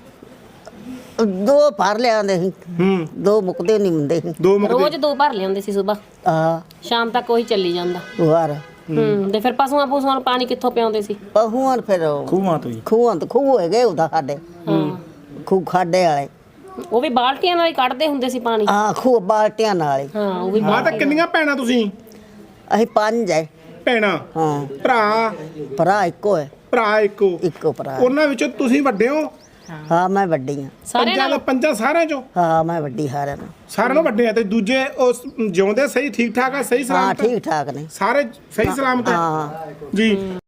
2 ਭਰ ਲਿਆਉਂਦੇ ਸੀ ਹੂੰ 2 ਮੁੱਕਦੇ ਨਹੀਂ ਹੁੰਦੇ ਸੀ ਦੋ ਮੁਕਦੇ ਰੋਜ਼ 2 ਭਰ ਲਿਆਉਂਦੇ ਸੀ ਸਵੇਰ ਆ ਸ਼ਾਮ ਤੱਕ ਉਹੀ ਚੱਲੀ ਜਾਂਦਾ ਵਾਰ ਤੇ ਫਿਰ ਪਸ਼ੂਆਂ ਨੂੰ ਪਾਣੀ ਕਿੱਥੋਂ ਪਿਆਉਂਦੇ ਸੀ ਪਹੂਆਂ ਫਿਰ ਖੂਹਾਂ ਤੋਂ ਹੀ ਖੂਹਾਂ ਤੋਂ ਖੂਹ ਹੈਗੇ ਉਹਦਾ ਸਾਡੇ ਖੂਹ ਖਾਡੇ ਵਾਲੇ ਉਹ ਵੀ ਬਾਲਟੀਆਂ ਨਾਲ ਹੀ ਕੱਢਦੇ ਹੁੰਦੇ ਸੀ ਪਾਣੀ ਆ ਖੂਹ ਬਾਲਟਿਆਂ ਨਾਲ ਹੀ ਹਾਂ ਉਹ ਵੀ ਮਾਤਾ ਕਿੰਨੀਆਂ ਭੈਣਾਂ ਤੁਸੀਂ ਅਸੀਂ 5 ਹੈ ਭੈਣਾਂ ਹਾਂ ਭਰਾ ਭਰਾ ਇੱਕੋ ਹੈ ਭਰਾ ਇੱਕੋ ਭਰਾ ਉਹਨਾਂ ਵਿੱਚੋਂ ਤੁਸੀਂ ਵੱਡੇ ਹੋ ਹਾਂ ਮੈਂ ਵੱਡੀ ਹਾਂ ਪੰਜਾਂ ਸਾਰਿਆਂ ਚੋਂ ਹਾਂ ਮੈਂ ਵੱਡੀ ਹਾਰਿਆਂ ਨੂੰ ਸਾਰਿਆਂ ਨੂੰ ਵੱਡੇ ਆ ਤੇ ਦੂਜੇ ਉਸ ਜਿਉਂਦੇ ਸਹੀ ਠੀਕ ਠਾਕ ਆ ਸਹੀ ਹਾਂ ਸਲਾਮਤ ਠੀਕ ਠਾਕ ਨੇ ਸਾਰੇ ਸਹੀ ਸਲਾਮਤ ਆ ਹਾਂ ਜੀ